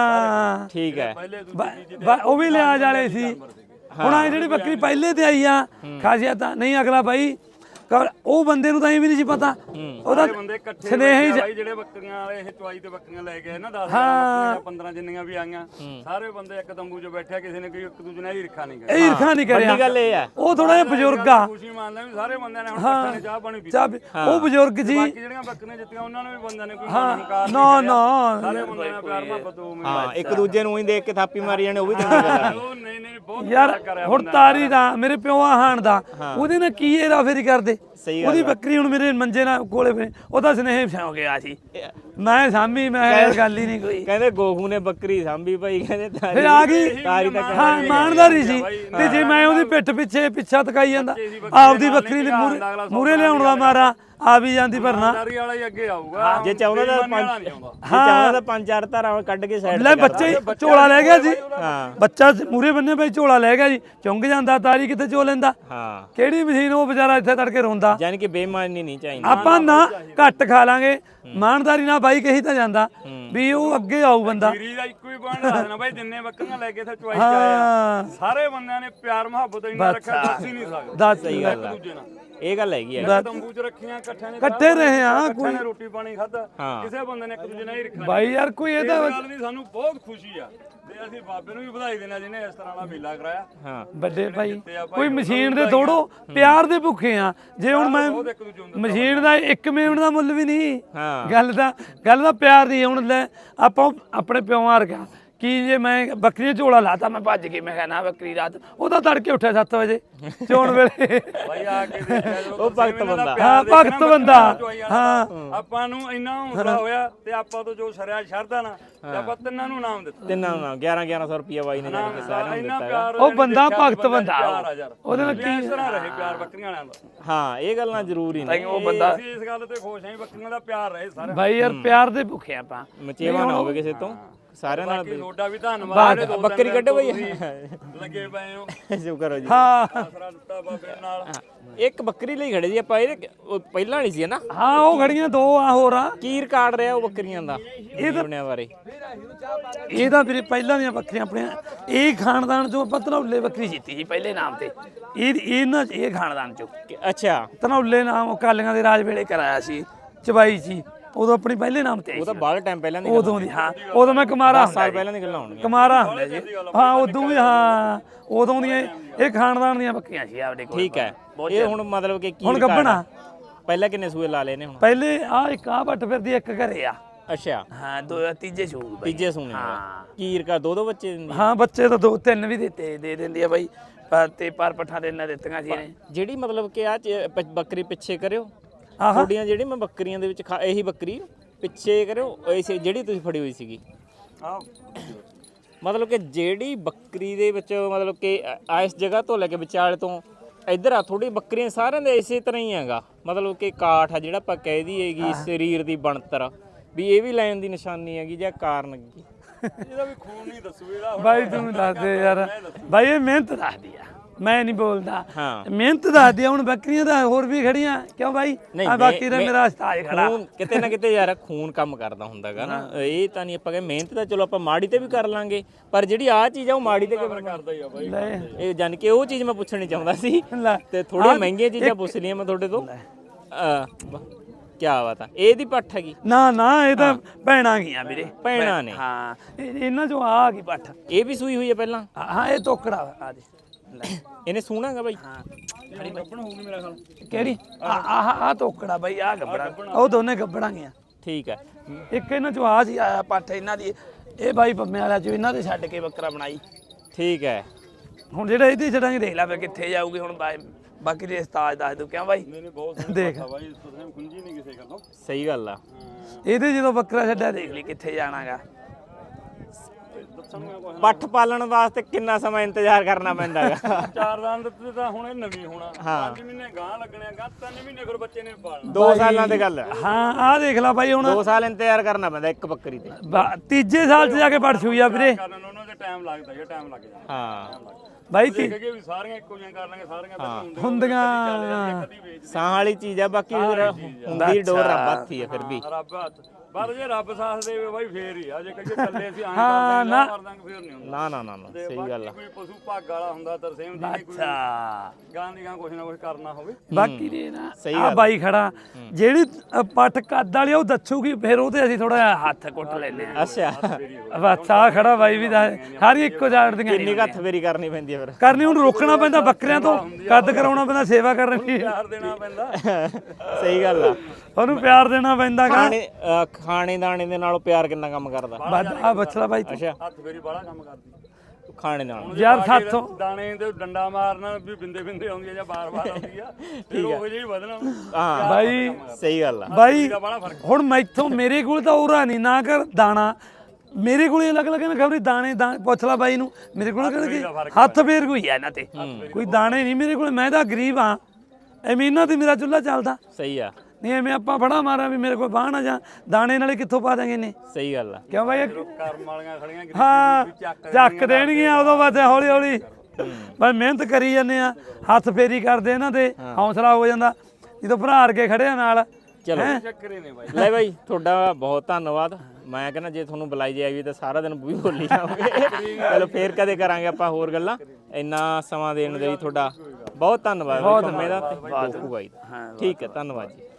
A: ਹਾਂ
C: ਠੀਕ ਹੈ
B: ਪਹਿਲੇ
A: ਬ- ਬ- ਉਹ ਵੀ ਲਿਆ ਜਾਲੇ ਸੀ ਹੁਣ ਆ ਜਿਹੜੀ ਬੱਕਰੀ ਪਹਿਲੇ ਤੇ ਆਈ ਆ ਖਾਸੀਅਤ ਤਾਂ ਨਹੀਂ ਅਗਲਾ ਬਾਈ ਕਰ- ਉਹ ਬੰਦੇ ਨੂੰ ਤਾਂ ਇਹ ਵੀ ਨਹੀਂ ਸੀ ਪਤਾ ਉਹਦਾ
B: ਸਾਰੇ ਬੰਦੇ ਇਕੱਠੇ
A: ਸਨੇਹ ਹੀ
B: ਬੈਠੇ ਆ ਬਾਈ ਜਿਹੜੇ ਬੱਕਰੀਆਂ ਵਾਲੇ ਇਹ ਚੁਆਈ ਤੇ ਬੱਕਰੀਆਂ ਲੈ ਕੇ ਆਏ ਨਾ ਦਸ ਬੱਕਰੀਆਂ ਪੰਦਰਾਂ ਜਿੰਨੀਆਂ ਵੀ ਆਈਆਂ ਸਾਰੇ ਬੰਦੇ ਇੱਕ ਤੰਬੂ 'ਚ ਬੈਠਿਆ ਕਿਸੇ ਨੇ ਕੋਈ ਇੱਕ ਦੂਜੇ ਨਾਲ ਈਰਖਾ ਨਹੀਂ ਕਰੀ
A: ਇਹ ਈਰਖਾ ਨਹੀਂ ਕਰਿਆ
C: ਵੱਡੀ ਗੱਲ ਇਹ ਹੈ
A: ਉਹ ਥੋੜਾ ਜਿਹਾ ਬਜ਼ੁਰਗ ਆ
B: ਖੁਸ਼ੀ ਮੰਨਦਾ ਵੀ ਸਾਰੇ ਬੰਦਿਆਂ ਨੇ ਹੁਣ ਇਕੱਠੇ ਨੇ ਚਾਹ ਪਾਣੀ ਪੀਤੀ
A: ਚਾਹ ਪੀ- ਉਹ ਬਜ਼ੁਰਗ ਜੀ
B: ਬਾਕੀ ਜਿਹੜੀਆਂ ਬੱਕਰੀਆਂ ਜਿੱਤੀਆਂ ਉਹਨਾਂ ਨੂੰ ਵੀ ਬੰਦਿਆਂ ਨੇ ਕੋਈ ਹੰਕਾਰ
A: ਨਾ ਨਾ
B: ਸਾਰੇ ਬੰਦਿਆਂ ਨਾਲ ਪਿਆਰ ਮੁਹੱਬਤ ਉਹ
C: ਹਾਂ ਇੱਕ ਦੂਜੇ ਨੂੰ ਹੀ ਦੇਖ ਕੇ ਥਾਪੀ ਮਾਰੀ ਜਾਣੇ ਉਹ ਵੀ ਚੰਗੀ ਗੱਲ ਆ
B: ਉਹ ਨਹੀਂ ਨਹੀਂ ਬਹੁਤ
A: ਯਾਰ
B: ਪਿਆਰ ਕਰਿਆ
A: ਹੁਣ ਤਾਰੀ ਦਾ ਮੇਰੇ ਪਿਓ ਆ ਹਾਣ ਦਾ ਉਹਦੇ ਨਾਲ ਕੀ ਇਹਦਾ ਫੇਰੀ ਕਰਦੇ
C: ਸਹੀ ਗੱਲ
A: ਉਹਦੀ ਬੱਕਰੀ ਹੁਣ ਮੇਰੇ ਮੰਜੇ ਨਾਲ ਕੋਲੇ ਪਈ ਉਹਦਾ ਸਨੇਹ ਸੌ ਗਿਆ ਸੀ ਮੈਂ ਸਾਮੀ ਮੈਂ ਕਿਹਾ ਯਾਰ ਗੱਲ ਹੀ ਨਹੀਂ ਕੋਈ
C: ਕਹਿੰਦੇ ਗੋਹੂ ਨੇ ਬੱਕਰੀ ਸਾਂਭੀ ਭਾਈ ਕਹਿੰਦੇ ਤਾਰੀ
A: ਫਿਰ ਆ ਗਈ
C: ਤਾਰੀ ਤਾਂ
A: ਹਾਂ ਇਮਾਨਦਾਰੀ ਸੀ ਤੇ ਜੇ ਮੈਂ ਉਹਦੀ ਪਿੱਠ ਪਿੱਛੇ ਪਿੱਛਾ ਤਕਾਈ ਜਾਂਦਾ ਆਪਦੀ ਬੱਕਰੀ ਦੇ ਮੂਰੇ ਮੂਰੇ ਲਿਆਉਣ ਦਾ ਮਾਰਾ ਆ ਵੀ ਜਾਂਦੀ ਭਰਨਾ
B: ਦਾਰੀ ਵਾਲਾ ਹੀ ਅੱਗੇ ਆਊਗਾ
C: ਜੇ ਚਾਹੁੰਦਾ ਤਾਂ
B: ਬੇਈਮਾਨੀ ਵਾਲਾ
C: ਪੰਜ
B: ਨਹੀਂ ਆਉਂਦਾ
C: ਜੇ ਚਾਹੁੰਦਾ ਤਾਂ ਪੰਜ ਚਾਰ ਧਾਰਾਂ ਕੱਢ ਕੇ ਸਾਈਡ
A: ਲੈ ਬੱਚੇ ਹੀ ਝੋਲਾ ਲੈ ਗਿਆ ਜੀ
C: ਹਾਂ
A: ਬੱਚਾ ਮੂਰੇ ਬੰਨੇ ਬਈ ਝੋਲਾ ਲੈ ਗਿਆ ਜੀ ਚੁੰਗ ਜਾਂਦਾ ਤਾਰੀ ਕਿੱਥੇ ਚੋ ਲੈਂਦਾ
C: ਹਾਂ
A: ਕਿਹੜੀ ਮਸ਼ੀਨ ਉਹ ਵਿਚਾਰਾ ਇੱਥੇ ਤੜਕੇ ਰੋਂਦਾ
C: ਯਾਨੀ ਕਿ ਬੇਈਮਾਨੀ ਨਹੀਂ ਚਾਹੀਦੀ
A: ਆਪਾਂ ਨਾ ਘੱਟ ਖਾ ਲਾਂਗੇ ਇਮਾਨਦਾਰੀ ਨਾਲ ਬਾਈ ਕਹੀ ਤਾਂ ਜਾਂਦਾ ਵੀ ਉਹ ਅੱਗੇ ਆਊ ਬੰਦਾ
B: ਵੀਰੀ ਦਾ ਇੱਕੋ ਹੀ ਪੁਆਇੰਟ ਦੱਸਣਾ ਬਾਈ ਜਿੰਨੇ ਬੱਕਰੀਆਂ ਲੈ ਕੇ ਇੱਥੇ ਚੁਆਈ ਚ ਆਏ ਆ
A: ਹਾਂ
B: ਸਾਰੇ ਬੰਦਿਆਂ ਨੇ ਪਿਆਰ ਮੁਹੱਬਤ ਇੰਨਾ ਰੱਖਿਆ ਦੱਸ ਹੀ ਨਹੀਂ ਸਕਦੇ
A: ਦੱਸ
C: ਸਹੀ
B: ਇੱਕ
C: ਗੱਲ ਆ
B: ਦੂਜੇ ਨਾਲ
C: ਇਹ ਗੱਲ ਹੈਗੀ ਆ
B: ਤੰਬੂ 'ਚ ਰੱਖੀਆਂ ਇਕੱਠਿਆਂ ਨੇ
A: ਇਕੱਠੇ ਰਹੇ ਆ
B: ਇਕੱਠਿਆਂ ਨੇ ਰੋਟੀ ਪਾਣੀ ਖਾਧਾ
C: ਹਾਂ।
B: ਕਿਸੇ ਬੰਦੇ ਨੇ ਇੱਕ ਦੂਜੇ ਨਾਲ ਹੀ ਰੱਖਿਆ
A: ਬਾਈ ਯਾਰ ਕੋਈ
B: ਇਹ
A: ਇਹਦਾ
B: ਗੱਲ ਦੀ ਸਾਨੂੰ ਬਹੁਤ ਖੁਸ਼ੀ ਆ ਤੇ ਅਸੀਂ ਬਾਬੇ ਨੂੰ ਵੀ ਵਧਾਈ ਦੇਣਾ ਜਿਹਨੇ ਇਸ ਤਰ੍ਹਾਂ ਦਾ ਮੇਲਾ ਕਰਾਇਆ
C: ਹਾਂ
A: ਵੱਡੇ ਭਾਈ ਕੋਈ ਮਸ਼ੀਨ ਦੇ ਤੋੜੋ ਪਿਆਰ ਦੇ ਭੁੱਖੇ ਆ ਜੇ ਹੁਣ ਮੈਂ
B: ਬਹੁਤ ਇੱਕ ਦੂਜੇ ਨੂੰ
A: ਮਸ਼ੀਨ ਦਾ ਇੱਕ ਮਿੰਟ ਦਾ ਮੁੱਲ ਵੀ ਨਹੀਂ
C: ਹਾਂ
A: ਗੱਲ ਦਾ ਗੱਲ ਦਾ ਪਿਆਰ ਦੀ ਹੁਣ ਲੈ ਆਪਾਂ ਆਪਣੇ ਪਿਓਾਂ ਵਰਗਾ ਕੀ ਜੇ ਮੈਂ ਬੱਕਰੀ ਝੋਲਾ ਲਾਤਾ ਮੈਂ ਭੱਜ ਕੇ ਮੈਂ ਕਿਹਾ ਨਾ ਬੱਕਰੀ ਰਾਤ ਉਹਦਾ ਤੜਕੇ ਉੱਠਿਆ ਸੱਤ ਵਜੇ ਚੋਣ ਵੇਲੇ
B: ਬਾਈ ਆ ਕੇ ਦੇਖਿਆ ਜਦੋਂ
C: ਉਹ ਭਗਤ ਬੰਦਾ
A: ਹਾਂ ਭਗਤ ਬੰਦਾ ਹਾਂ
B: ਆਪਾਂ ਨੂੰ ਇੰਨਾ ਹੌਸਲਾ ਹੋਇਆ ਤੇ ਆਪਾਂ ਤੋਂ ਜੋ ਸਰਿਆ ਸ਼ਰਧਾ ਨਾ ਤੇ ਆਪਾਂ ਤਿੰਨਾਂ ਨੂੰ ਨਾਮ ਦਿੱਤਾ
C: ਤਿੰਨਾਂ ਨੂੰ ਗਿਆਰਾਂ ਗਿਆਰਾਂ ਸੌ ਰੁਪਿਆ ਬਾਈ ਨੇ ਜਾਣੀ ਕਿ ਸਾਰਿਆਂ ਨੂੰ
B: ਇੰਨਾ
C: ਦਿੱਤਾ
B: ਪਿਆਰ
A: ਉਹ ਬੰਦਾ ਭਗਤ ਬੰਦਾ
B: ਪਿਆਰ ਆ ਯਾਰ
A: ਉਹਦੇ ਨਾਲ
B: ਕੀ ਇਸ ਤਰ੍ਹਾਂ ਰਹੇ ਪਿਆਰ ਬੱਕਰੀਆਂ ਵਾਲਿਆਂ ਦਾ
C: ਹਾਂ ਇਹ ਗੱਲਾਂ ਜ਼ਰੂਰੀ ਨੇ
A: ਉਹ ਬੰਦਾ
B: ਅਸੀਂ ਇਸ ਗੱਲ ਤੇ ਖੁਸ਼ ਹਾਂ ਬੱਕਰੀਆਂ ਦਾ ਪਿਆਰ ਰਹੇ ਸਾਰੇ
A: ਭਾਈ ਯਾਰ ਪਿਆਰ ਦੇ ਭੁੱਖੇ ਆਪਾਂ
C: ਮਚੇਵਾ ਨਾ ਹੋਵੇ ਕਿਸੇ ਤੋਂ ਸਾਰਿਆਂ ਨਾਲ
B: ਬਾਕੀ ਤੁਹਾਡਾ ਵੀ ਧੰਨਵਾਦ ਜਿਹੜੇ ਦੋ
C: ਬੱਕਰੀ ਕੱਢੋ ਬਈ
B: ਲੱਗੇ ਪਏ ਹੋ
C: ਸ਼ੁਕਰ ਹੋ ਜੀ
A: ਹਾਂ
B: ਆਸਰਾ ਦਿੱਤਾ ਬਾਬੇ ਨਾਲ
C: ਇੱਕ ਬੱਕਰੀ ਲਈ ਖੜੇ ਜੀ ਆਪਾਂ ਇਹ ਉਹ ਪਹਿਲਾਂ ਨਹੀਂ ਸੀ ਨਾ
A: ਹਾਂ ਉਹ ਘੜੀਆਂ ਦੋ ਆ ਹੋਰ ਆ
C: ਕੀ ਰਿਕਾਰਡ ਰਿਹਾ ਉਹ ਬੱਕਰੀਆਂ ਦਾ ਇਹ ਦੁਨੀਆ ਬਾਰੇ
A: ਇਹ ਤਾਂ ਵੀਰੇ ਪਹਿਲਾਂ ਦੀਆਂ ਬੱਕਰੀਆਂ ਆਪਣੀਆਂ ਇਹ ਖਾਨਦਾਨ ਚੋਂ ਆਪਾਂ ਧਨੌਲੇ ਬੱਕਰੀ ਜਿੱਤੀ ਸੀ ਪਹਿਲੇ ਨਾਮ ਤੇ ਇਹ ਇਹਨਾਂ ਇਹ ਖਾਨਦਾਨ ਚੋਂ
C: ਕਿ- ਅੱਛਾ
A: ਧਨੌਲੇ ਨਾਮ ਉਹ ਕਾਲੀਆਂ ਦੇ ਰਾਜ ਵੇਲੇ ਕਰਾਇਆ ਸੀ ਚਬਾਈ ਸੀ ਉਦੋਂ ਆਪਣੀ ਪਹਿਲੇ ਨਾਮ ਤੇ ਆਈ
C: ਉਹ ਤਾਂ
A: ਸੀ
C: ਬਾਹਲਾ ਟਾਈਮ ਪਹਿਲਾਂ ਦੀ
A: ਉਦੋਂ ਦੀ ਹਾਂ ਉਦੋਂ ਮੈਂ ਕੁਮਾਰਾ ਹੁੰਦਾ
C: ਸਾਲ
A: ਸੀ
C: ਪਹਿਲਾਂ ਦੀ ਗੱਲਾਂ ਹੋਣਗੀਆਂ
A: ਕੁਮਾਰਾ ਹੁੰਦਾ ਜੀ ਹਾਂ ਉਦੋਂ ਵੀ ਹਾਂ ਉਦੋਂ ਦੀਆਂ ਇਹ- ਇਹ ਖਾਨਦਾਨ ਦੀਆਂ ਬੱਕਰੀਆਂ ਸੀ ਆਪਣੇ ਕੋਲ
C: ਠੀਕ ਹੈ ਇਹ ਹੁਣ ਮਤਲਬ ਕਿ ਕੀ
A: ਹੁਣ
C: record
A: ਗੱਭਣਾ
C: ਆ? ਪਹਿਲਾਂ ਕਿੰਨੇ ਸੂਏ ਲਾ ਲਏ ਨੇ ਹੁਣ
A: ਪਹਿਲੇ ਆ ਇੱਕ ਆ ਬੱਟ ਫਿਰਦੀ ਇੱਕ ਘਰੇ ਆ
C: ਅੱਛਾ
A: ਹਾਂ ਦੋ ਤੀਜੇ ਸ਼ੂਗ ਬਾਈ
C: ਤੀਜੇ ਸੂਣੇ
A: ਹਾਂ।
C: ਕੀ ਰਿਕਾਰਡ ਦੋ ਦੋ ਬੱਚੇ ਦਿੰਦੀ
A: ਹਾਂ ਬੱਚੇ ਤਾਂ ਦੋ ਤਿੰਨ ਵੀ ਦਿੱਤੇ ਦੇ ਦਿੰਦੀ ਆ ਬਾਈ ਪਰ ਤੇ ਪਰ ਪੱਠਾ ਦੇ ਇਹਨਾਂ ਦਿੱਤੀਆਂ ਸੀ ਇਹਨੇ
C: ਜਿਹੜੀ ਮਤਲਬ ਕਿ ਆ ਬੱਕਰੀ ਪਿੱਛੇ ਕਰਿਓ
A: ਆਹਾ
C: ਤੁਹਾਡੀਆਂ ਜਿਹੜੀ ਮੈਂ ਬੱਕਰੀਆਂ ਦੇ ਵਿੱਚ ਖਾ- ਇਹੀ ਬੱਕਰੀ ਪਿੱਛੇ ਕਰਿਓ ਐਸੇ ਜਿਹੜੀ ਤੁਸੀਂ ਫੜੀ ਹੋਈ ਸੀਗੀ
B: ਆਹ
C: ਮਤਲਬ ਕਿ ਜਿਹੜੀ ਬੱਕਰੀ ਦੇ ਵਿੱਚ ਮਤਲਬ ਕਿ ਆ ਇਸ ਜਗ੍ਹਾ ਤੋਂ ਲੈ ਕੇ ਵਿਚਾਲੇ ਤੋਂ ਇੱਧਰ ਆ ਥੋੜੀ ਬੱਕਰੀਆਂ ਸਾਰਿਆਂ ਦੇ ਇਸੇ ਤਰ੍ਹਾਂ ਹੀ ਹੈਗਾ ਮਤਲਬ ਕਿ ਕਾਠ ਆ ਜਿਹੜਾ ਆਪਾਂ ਕਹਿ ਦਈਏਗੀ ਸਰੀਰ ਦੀ ਬਣਤਰ ਵੀ ਇਹ ਵੀ ਲੈਣ ਦੀ ਨਿਸ਼ਾਨੀ ਹੈਗੀ ਜਾਂ ਕਾਰਨ ਕੀ
B: ਇਹਦਾ ਵੀ ਖੂਨ ਨਹੀਂ ਦੱਸੂ ਇਹਦਾ
A: ਬਾਈ ਤੂੰ ਦੱਸ ਦੇ ਯਾਰ ਬਾਈ ਇਹ ਮਿਹਨਤ ਦੱਸਦੀ ਆ ਮੈਂ ਨਹੀਂ ਬੋਲਦਾ
C: ਹਾਂ
A: ਮਿਹਨਤ ਦੱਸਦੀ ਆ ਹੁਣ ਬੱਕਰੀਆਂ ਤਾਂ ਹੋਰ ਵੀ ਖੜੀਆਂ ਕਿਉਂ ਬਾਈ
C: ਨਹੀਂ,
A: ਆ ਬਾਕੀ ਤਾਂ
C: ਮੈਂ-
A: ਮੇਰਾ ਉਸਤਾਦ ਖੜਾ
C: ਖੂਨ ਕਿਤੇ ਨਾ ਕਿਤੇ ਯਾਰ ਖੂਨ ਕੰਮ ਕਰਦਾ ਹੁੰਦਾਗਾ ਨਾ ਇਹ ਤਾਂ ਨਹੀਂ ਆਪਾਂ ਕਹੇ ਮਿਹਨਤ ਤਾਂ ਚਲੋ ਆਪਾਂ ਮਾੜੀ ਤੇ ਵੀ ਕਰ ਲਾਂਗੇ ਪਰ ਜਿਹੜੀ ਆ ਚੀਜ਼ ਆ ਉਹ ਮਾੜੀ ਤੇ ਕਿਵੇਂ
B: ਕਰਦਾ ਹੀ ਆ ਬਾਈ
A: ਲੈ
C: ਇਹ ਜਾਨ ਕਿ ਉਹ ਚੀਜ਼ ਮੈਂ ਪੁੱਛਣੀ ਚਾਹੁੰਦਾ ਸੀ
A: ਲੈ
C: ਤੇ ਥੋੜੀਆਂ ਮਹਿੰਗੀਆਂ ਚੀਜ਼ਾਂ ਪੁੱਛ ਲਈਆਂ ਮੈਂ ਤੁਹਾਡੇ ਤੋਂ ਕੀ ਬਾਤ ਆ ਇਹਦੀ ਪੱਠ ਹੈਗੀ
A: ਨਾ ਨਾ ਇਹ ਤਾਂ ਭੈਣਾਂ ਗਈਆਂ ਵੀਰੇ
C: ਭੈਣਾਂ ਨੇ
A: ਹਾਂ ਇਹ- ਇਹਨਾਂ ਚੋਂ ਆ ਗਈ ਪੱਠ
C: ਇਹ ਵੀ ਸੂਈ ਹੋਈ ਹੈ ਪਹਿਲਾਂ
A: ਹਾਂ ਹਾਂ, ਇਹ ਤੋਕੜਾ ਵਾ, ਆ ਦੇ ਲੈ
C: ਇਹਨੇ ਸੂਣਾਗਾ ਬਾਈ
B: ਖੜੀ ਗੱਪਣ ਹੋਊਗੀ ਮੇਰਾ ਖਿਆਲ
A: ਕਿਹੜੀ ਆ ਆ ਆ ਤੋਕੜਾ ਬਾਈ ਆ ਗੱਬੜਾ ਉਹ ਦੋਨੇ ਗੱਬੜਾਂ ਗਈਆਂ
C: ਠੀਕ ਹੈ
A: ਇੱਕ ਇਹਨਾਂ ਚੋਂ ਆ ਸੀ ਆਇਆ ਪੱਠ ਇਹਨਾਂ ਦੀ ਇਹ ਬਾਈ ਪੰਮੇ ਵਾਲਿਆਂ ਚੋਂ ਇਹਨਾਂ ਦੇ ਛੱਡ ਕੇ ਬੱਕਰਾ ਬਣਾਈ
C: ਠੀਕ ਹੈ
A: ਹੁਣ ਜਿਹੜਾ ਇਹਦੀ ਛੱਡਾਂਗੇ ਦੇਖ ਲੈ ਫੇ ਕਿੱਥੇ ਜਾਊਗੀ ਹੁਣ ਬਾਈ ਬਾਕੀ ਦੇ ਉਸਤਾਦ ਦੱਸ ਦੂ ਕਿਉਂ ਬਾਈ
B: ਨਹੀਂ ਨਹੀਂ ਬਹੁਤ
A: ਦੇਖ
B: ਸੋਹਣਾ ਬਾਈ ਤੁਸੀਂ ਖੁੰਜੀ ਨਹੀਂ ਕਿਸੇ ਗੱਲੋਂ
C: ਸਹੀ ਗੱਲ ਆ
A: ਇਹਦੇ ਜਦੋਂ ਬੱਕਰਾ ਛੱਡਿਆ ਦੇਖ ਲਈ ਕਿੱਥੇ ਜਾਣਾਗਾ
B: ਦੱਸਣਗੇ ਕੁਛ
C: ਪੱਠ ਪਾਲਣ ਵਾਸਤੇ ਕਿੰਨਾ ਸਮਾਂ ਇੰਤਜ਼ਾਰ ਕਰਨਾ ਪੈਂਦਾ ਹੈਗਾ
B: ਚਾਰ ਦੰਦ ਤੇ ਤਾਂ ਹੁਣ ਇਹ ਨਵੀਂ ਹੋਣਾ ਪੰਜ ਮਹੀਨੇ ਗਾਂ ਲੱਗਣੇ ਗਾਂ ਤਿੰਨ ਮਹੀਨੇ ਫਿਰ ਬੱਚੇ ਨੇ ਪਾਲਣਾ
C: ਦੋ ਸਾਲਾਂ ਦੀ ਗੱਲ ਹੈ
A: ਹਾਂ ਆਹ ਦੇਖ ਲੈ ਬਾਈ ਹੁਣ
C: ਦੋ ਸਾਲ ਇੰਤਜ਼ਾਰ ਕਰਨਾ ਪੈਂਦਾ ਇੱਕ ਬੱਕਰੀ ਤੇ
A: ਬਾ- ਤੀਜੇ ਸਾਲ 'ਚ ਜਾ ਕੇ ਪੜ ਛੂਈ ਆ ਵੀਰੇ
B: ਕਰਨ ਨੂੰ ਉਹਨਾਂ ਦੇ ਟਾਈਮ ਲੱਗਦਾ ਜੇ ਟਾਈਮ ਲੱਗ ਜਾਂਦਾ
C: ਹਾਂ
A: ਬਾਈ ਤੀ
B: ਦੇਖ ਕੇ ਵੀ ਸਾਰੀਆਂ ਇੱਕੋ ਜਿਹੀਆਂ ਕਰ ਲਾਂਗੇ ਸਾਰੀਆਂ ਤਾਂ ਹੁੰਦੀਆਂ
A: ਹੁੰਦੀਆਂ
B: ਕਦੀ ਵੇਚ
C: ਸਾਹ ਵਾਲੀ ਚੀਜ਼ ਆ ਬਾਕੀ ਫਿਰ ਹੁੰਦੀ ਡੋਰ ਰੱਬ ਹੱਥੀ ਆ ਫਿਰ ਵੀ
B: ਰੱਬ ਹੱਥ ਪਰ ਜੇ ਰੱਬ ਸਾਥ ਦੇਵੇ ਬਾਈ ਫੇਰ ਹੀ ਆ ਜੇ ਕਹੀਏ ਚੱਲੇ ਅਸੀਂ ਆਂ
A: ਹਾਂ,
B: ਕਰ
A: ਨਾ।
B: ਦਾਂਗੇ ਫੇਰ ਨਹੀਂ ਹੁੰਦਾ
C: ਨਾ ਨਾ ਨਾ ਨਾ
B: ਤੇ
C: ਸਹੀ
B: ਬਾਕੀ
C: ਗੱਲ ਆ
B: ਕੋਈ ਪਸ਼ੂ ਭਾਗ ਵਾਲਾ ਹੁੰਦਾ ਤਰਸੇਮ ਦੀ ਕੋਈ
A: ਅੱਛਾ
B: ਗਾਂ ਦੀ ਗਾਂ ਕੁਛ ਨਾ ਕੁਛ ਕਰਨਾ ਹੋਵੇ
A: ਬਾਕੀ ਦੇ ਨਾ
C: ਸਹੀ
A: ਆ ਬਾਈ ਖੜਾ ਜਿਹੜੀ ਅ, ਪੱਟ ਕੱਦ ਵਾਲੀ ਆ, ਉਹ ਦੱਸੂਗੀ ਫਿਰ ਉਹਦੇ ਅਸੀਂ ਥੋੜਾ ਹੱਥ ਕੁੱਟ ਲੈਨੇ ਆ
C: ਅੱਛਾ
A: ਬਸ ਆ ਖੜਾ ਬਾਈ ਵੀ ਦੱਸ ਸਾਰੀ ਇੱਕੋ ਜਾੜ ਦੀਆਂ
C: ਕਿੰਨੀ ਕੁ ਹੱਥ ਫੇਰੀ ਕਰਨੀ ਪੈਂਦੀ ਆ ਫਿਰ
A: ਕਰਨੀ ਉਹਨੂੰ ਰੋਕਣਾ ਪੈਂਦਾ ਬੱਕਰਿਆਂ ਤੋਂ ਕੱਦ ਕਰਾਉਣਾ ਪੈਂਦਾ ਸੇਵਾ ਕਰਨੀ
B: ਪਿਆਰ ਦੇਣਾ ਪੈਂਦਾ
C: ਸਹੀ ਗੱਲ ਆ
A: ਉਹਨੂੰ ਪਿਆਰ ਦੇਣਾ ਪੈਂਦਾ ਗਾ
C: ਖਾਣੇ ਅਹ ਖਾਣੇ ਦਾਣੇ ਦੇ ਨਾਲੋਂ ਪਿਆਰ ਕਿੰਨਾ ਕੰਮ ਕਰਦਾ
A: ਵੱਧ ਆ ਬਚਲਾ ਬਾਈ ਤੂੰ
C: ਅੱਛਾ
B: ਹੱਥ ਫੇਰੀ ਬਾਹਲਾ ਕੰਮ ਕਰਦੀ
C: ਖਾਣੇ ਨਾਲ
A: ਯਾਰ ਸਾਥੋਂ
B: ਦਾਣੇ ਤੇ ਡੰਡਾ ਮਾਰਨਾ ਵੀ ਬਿੰਦੇ ਬਿੰਦੇ ਆਉਂਦੀ ਆ ਜਾਂ ਬਾਰ-ਬਾਰ ਆਉਂਦੀ ਆ ਫਿਰ ਉਹ ਜਿਹੀ ਵਧਣਾ
C: ਹਾਂ
A: ਬਾਈ
C: ਸਹੀ ਗੱਲ ਆ
A: ਬਾਈ
B: ਬੜਾ ਫਰਕ
A: ਹੁਣ ਮੈਥੋਂ ਮੇਰੇ ਕੋਲ ਤਾਂ ਉਰਾ ਨਹੀਂ ਨਾ ਕਰ ਦਾਣਾ ਮੇਰੇ ਕੋਲ ਅਲੱਗ ਅਲੱਗ ਨਾ ਖਬਰੀ ਦਾਣੇ ਦਾਣੇ ਪੁੱਛ ਲਾ ਬਾਈ ਨੂੰ ਮੇਰੇ ਕੋਲ ਕਿਹੜੇ ਹੱਥ ਫੇਰ ਕੋਈ ਆ ਇਹਨਾਂ ਤੇ ਕੋਈ ਦਾਣੇ ਨਹੀਂ ਮੇਰੇ ਕੋਲ ਮੈਂ ਤਾਂ ਗਰੀਬ ਆ ਐਵੇਂ ਇਹਨਾਂ ਤੇ ਮੇਰਾ ਚੁੱਲ੍ਹਾ ਚੱਲਦਾ
C: ਸਹੀ ਆ
A: ਨਹੀਂ ਐਵੇਂ ਆਪਾਂ ਫੜਾ ਮਾਰਾਂ ਵੀ ਮੇਰੇ ਕੋਲ ਬਾਹ ਨਾ ਜਾ ਦਾਣੇ ਨਾਲੇ ਕਿੱਥੋਂ ਪਾ ਦਾਂਗੇ ਨੇ
C: ਸਹੀ ਗੱਲ ਆ
A: ਕਿਉਂ ਬਾਈ
B: ਕਰਮ ਵਾਲੀਆਂ ਖੜੀਆਂ
A: ਹਾਂ ਚੱਕ ਦੇਣਗੀਆਂ ਉਦੋਂ ਬਾਅਦ ਹੌਲੀ ਹੌਲੀ ਬਸ ਮਿਹਨਤ ਕਰੀ ਜਾਂਦੇ ਆ ਹੱਥ ਫੇਰੀ ਕਰਦੇ ਇਹਨਾਂ ਤੇ ਹੌਸਲਾ ਹੋ ਜਾਂਦਾ ਜਦੋਂ ਭਰਾ ਕੇ ਖੜਿਆ ਨਾਲ
C: ਚਲੋ
B: ਚੱਕਰੇ ਨੇ ਬਾਈ
C: ਲੈ ਬਾਈ ਤੁਹਾਡਾ ਬਹੁਤ ਧੰਨਵਾਦ ਮੈਂ ਕਹਿੰਦਾ ਜੇ ਤੁਹਾਨੂੰ ਬੁਲਾਈ ਜਾਏਗੀ ਤਾਂ ਸਾਰਾ ਦਿਨ ਵੀ ਬੋਲੀ ਜਾਓਗੇ ਚਲੋ ਫੇਰ ਕਦੇ ਕਰਾਂਗੇ ਆਪਾਂ ਹੋਰ ਗੱਲਾਂ ਇੰਨਾ ਸਮਾਂ ਦੇਣ ਦੇ ਲਈ ਤੁਹਾਡਾ ਬਹੁਤ ਧੰਨਵਾਦ ਮੇਰਾ ਤੇ ਬਾਪੂ ਬਾਈ ਦਾ। ਠੀਕ ਹੈ ਧੰਨਵਾਦ ਜੀ।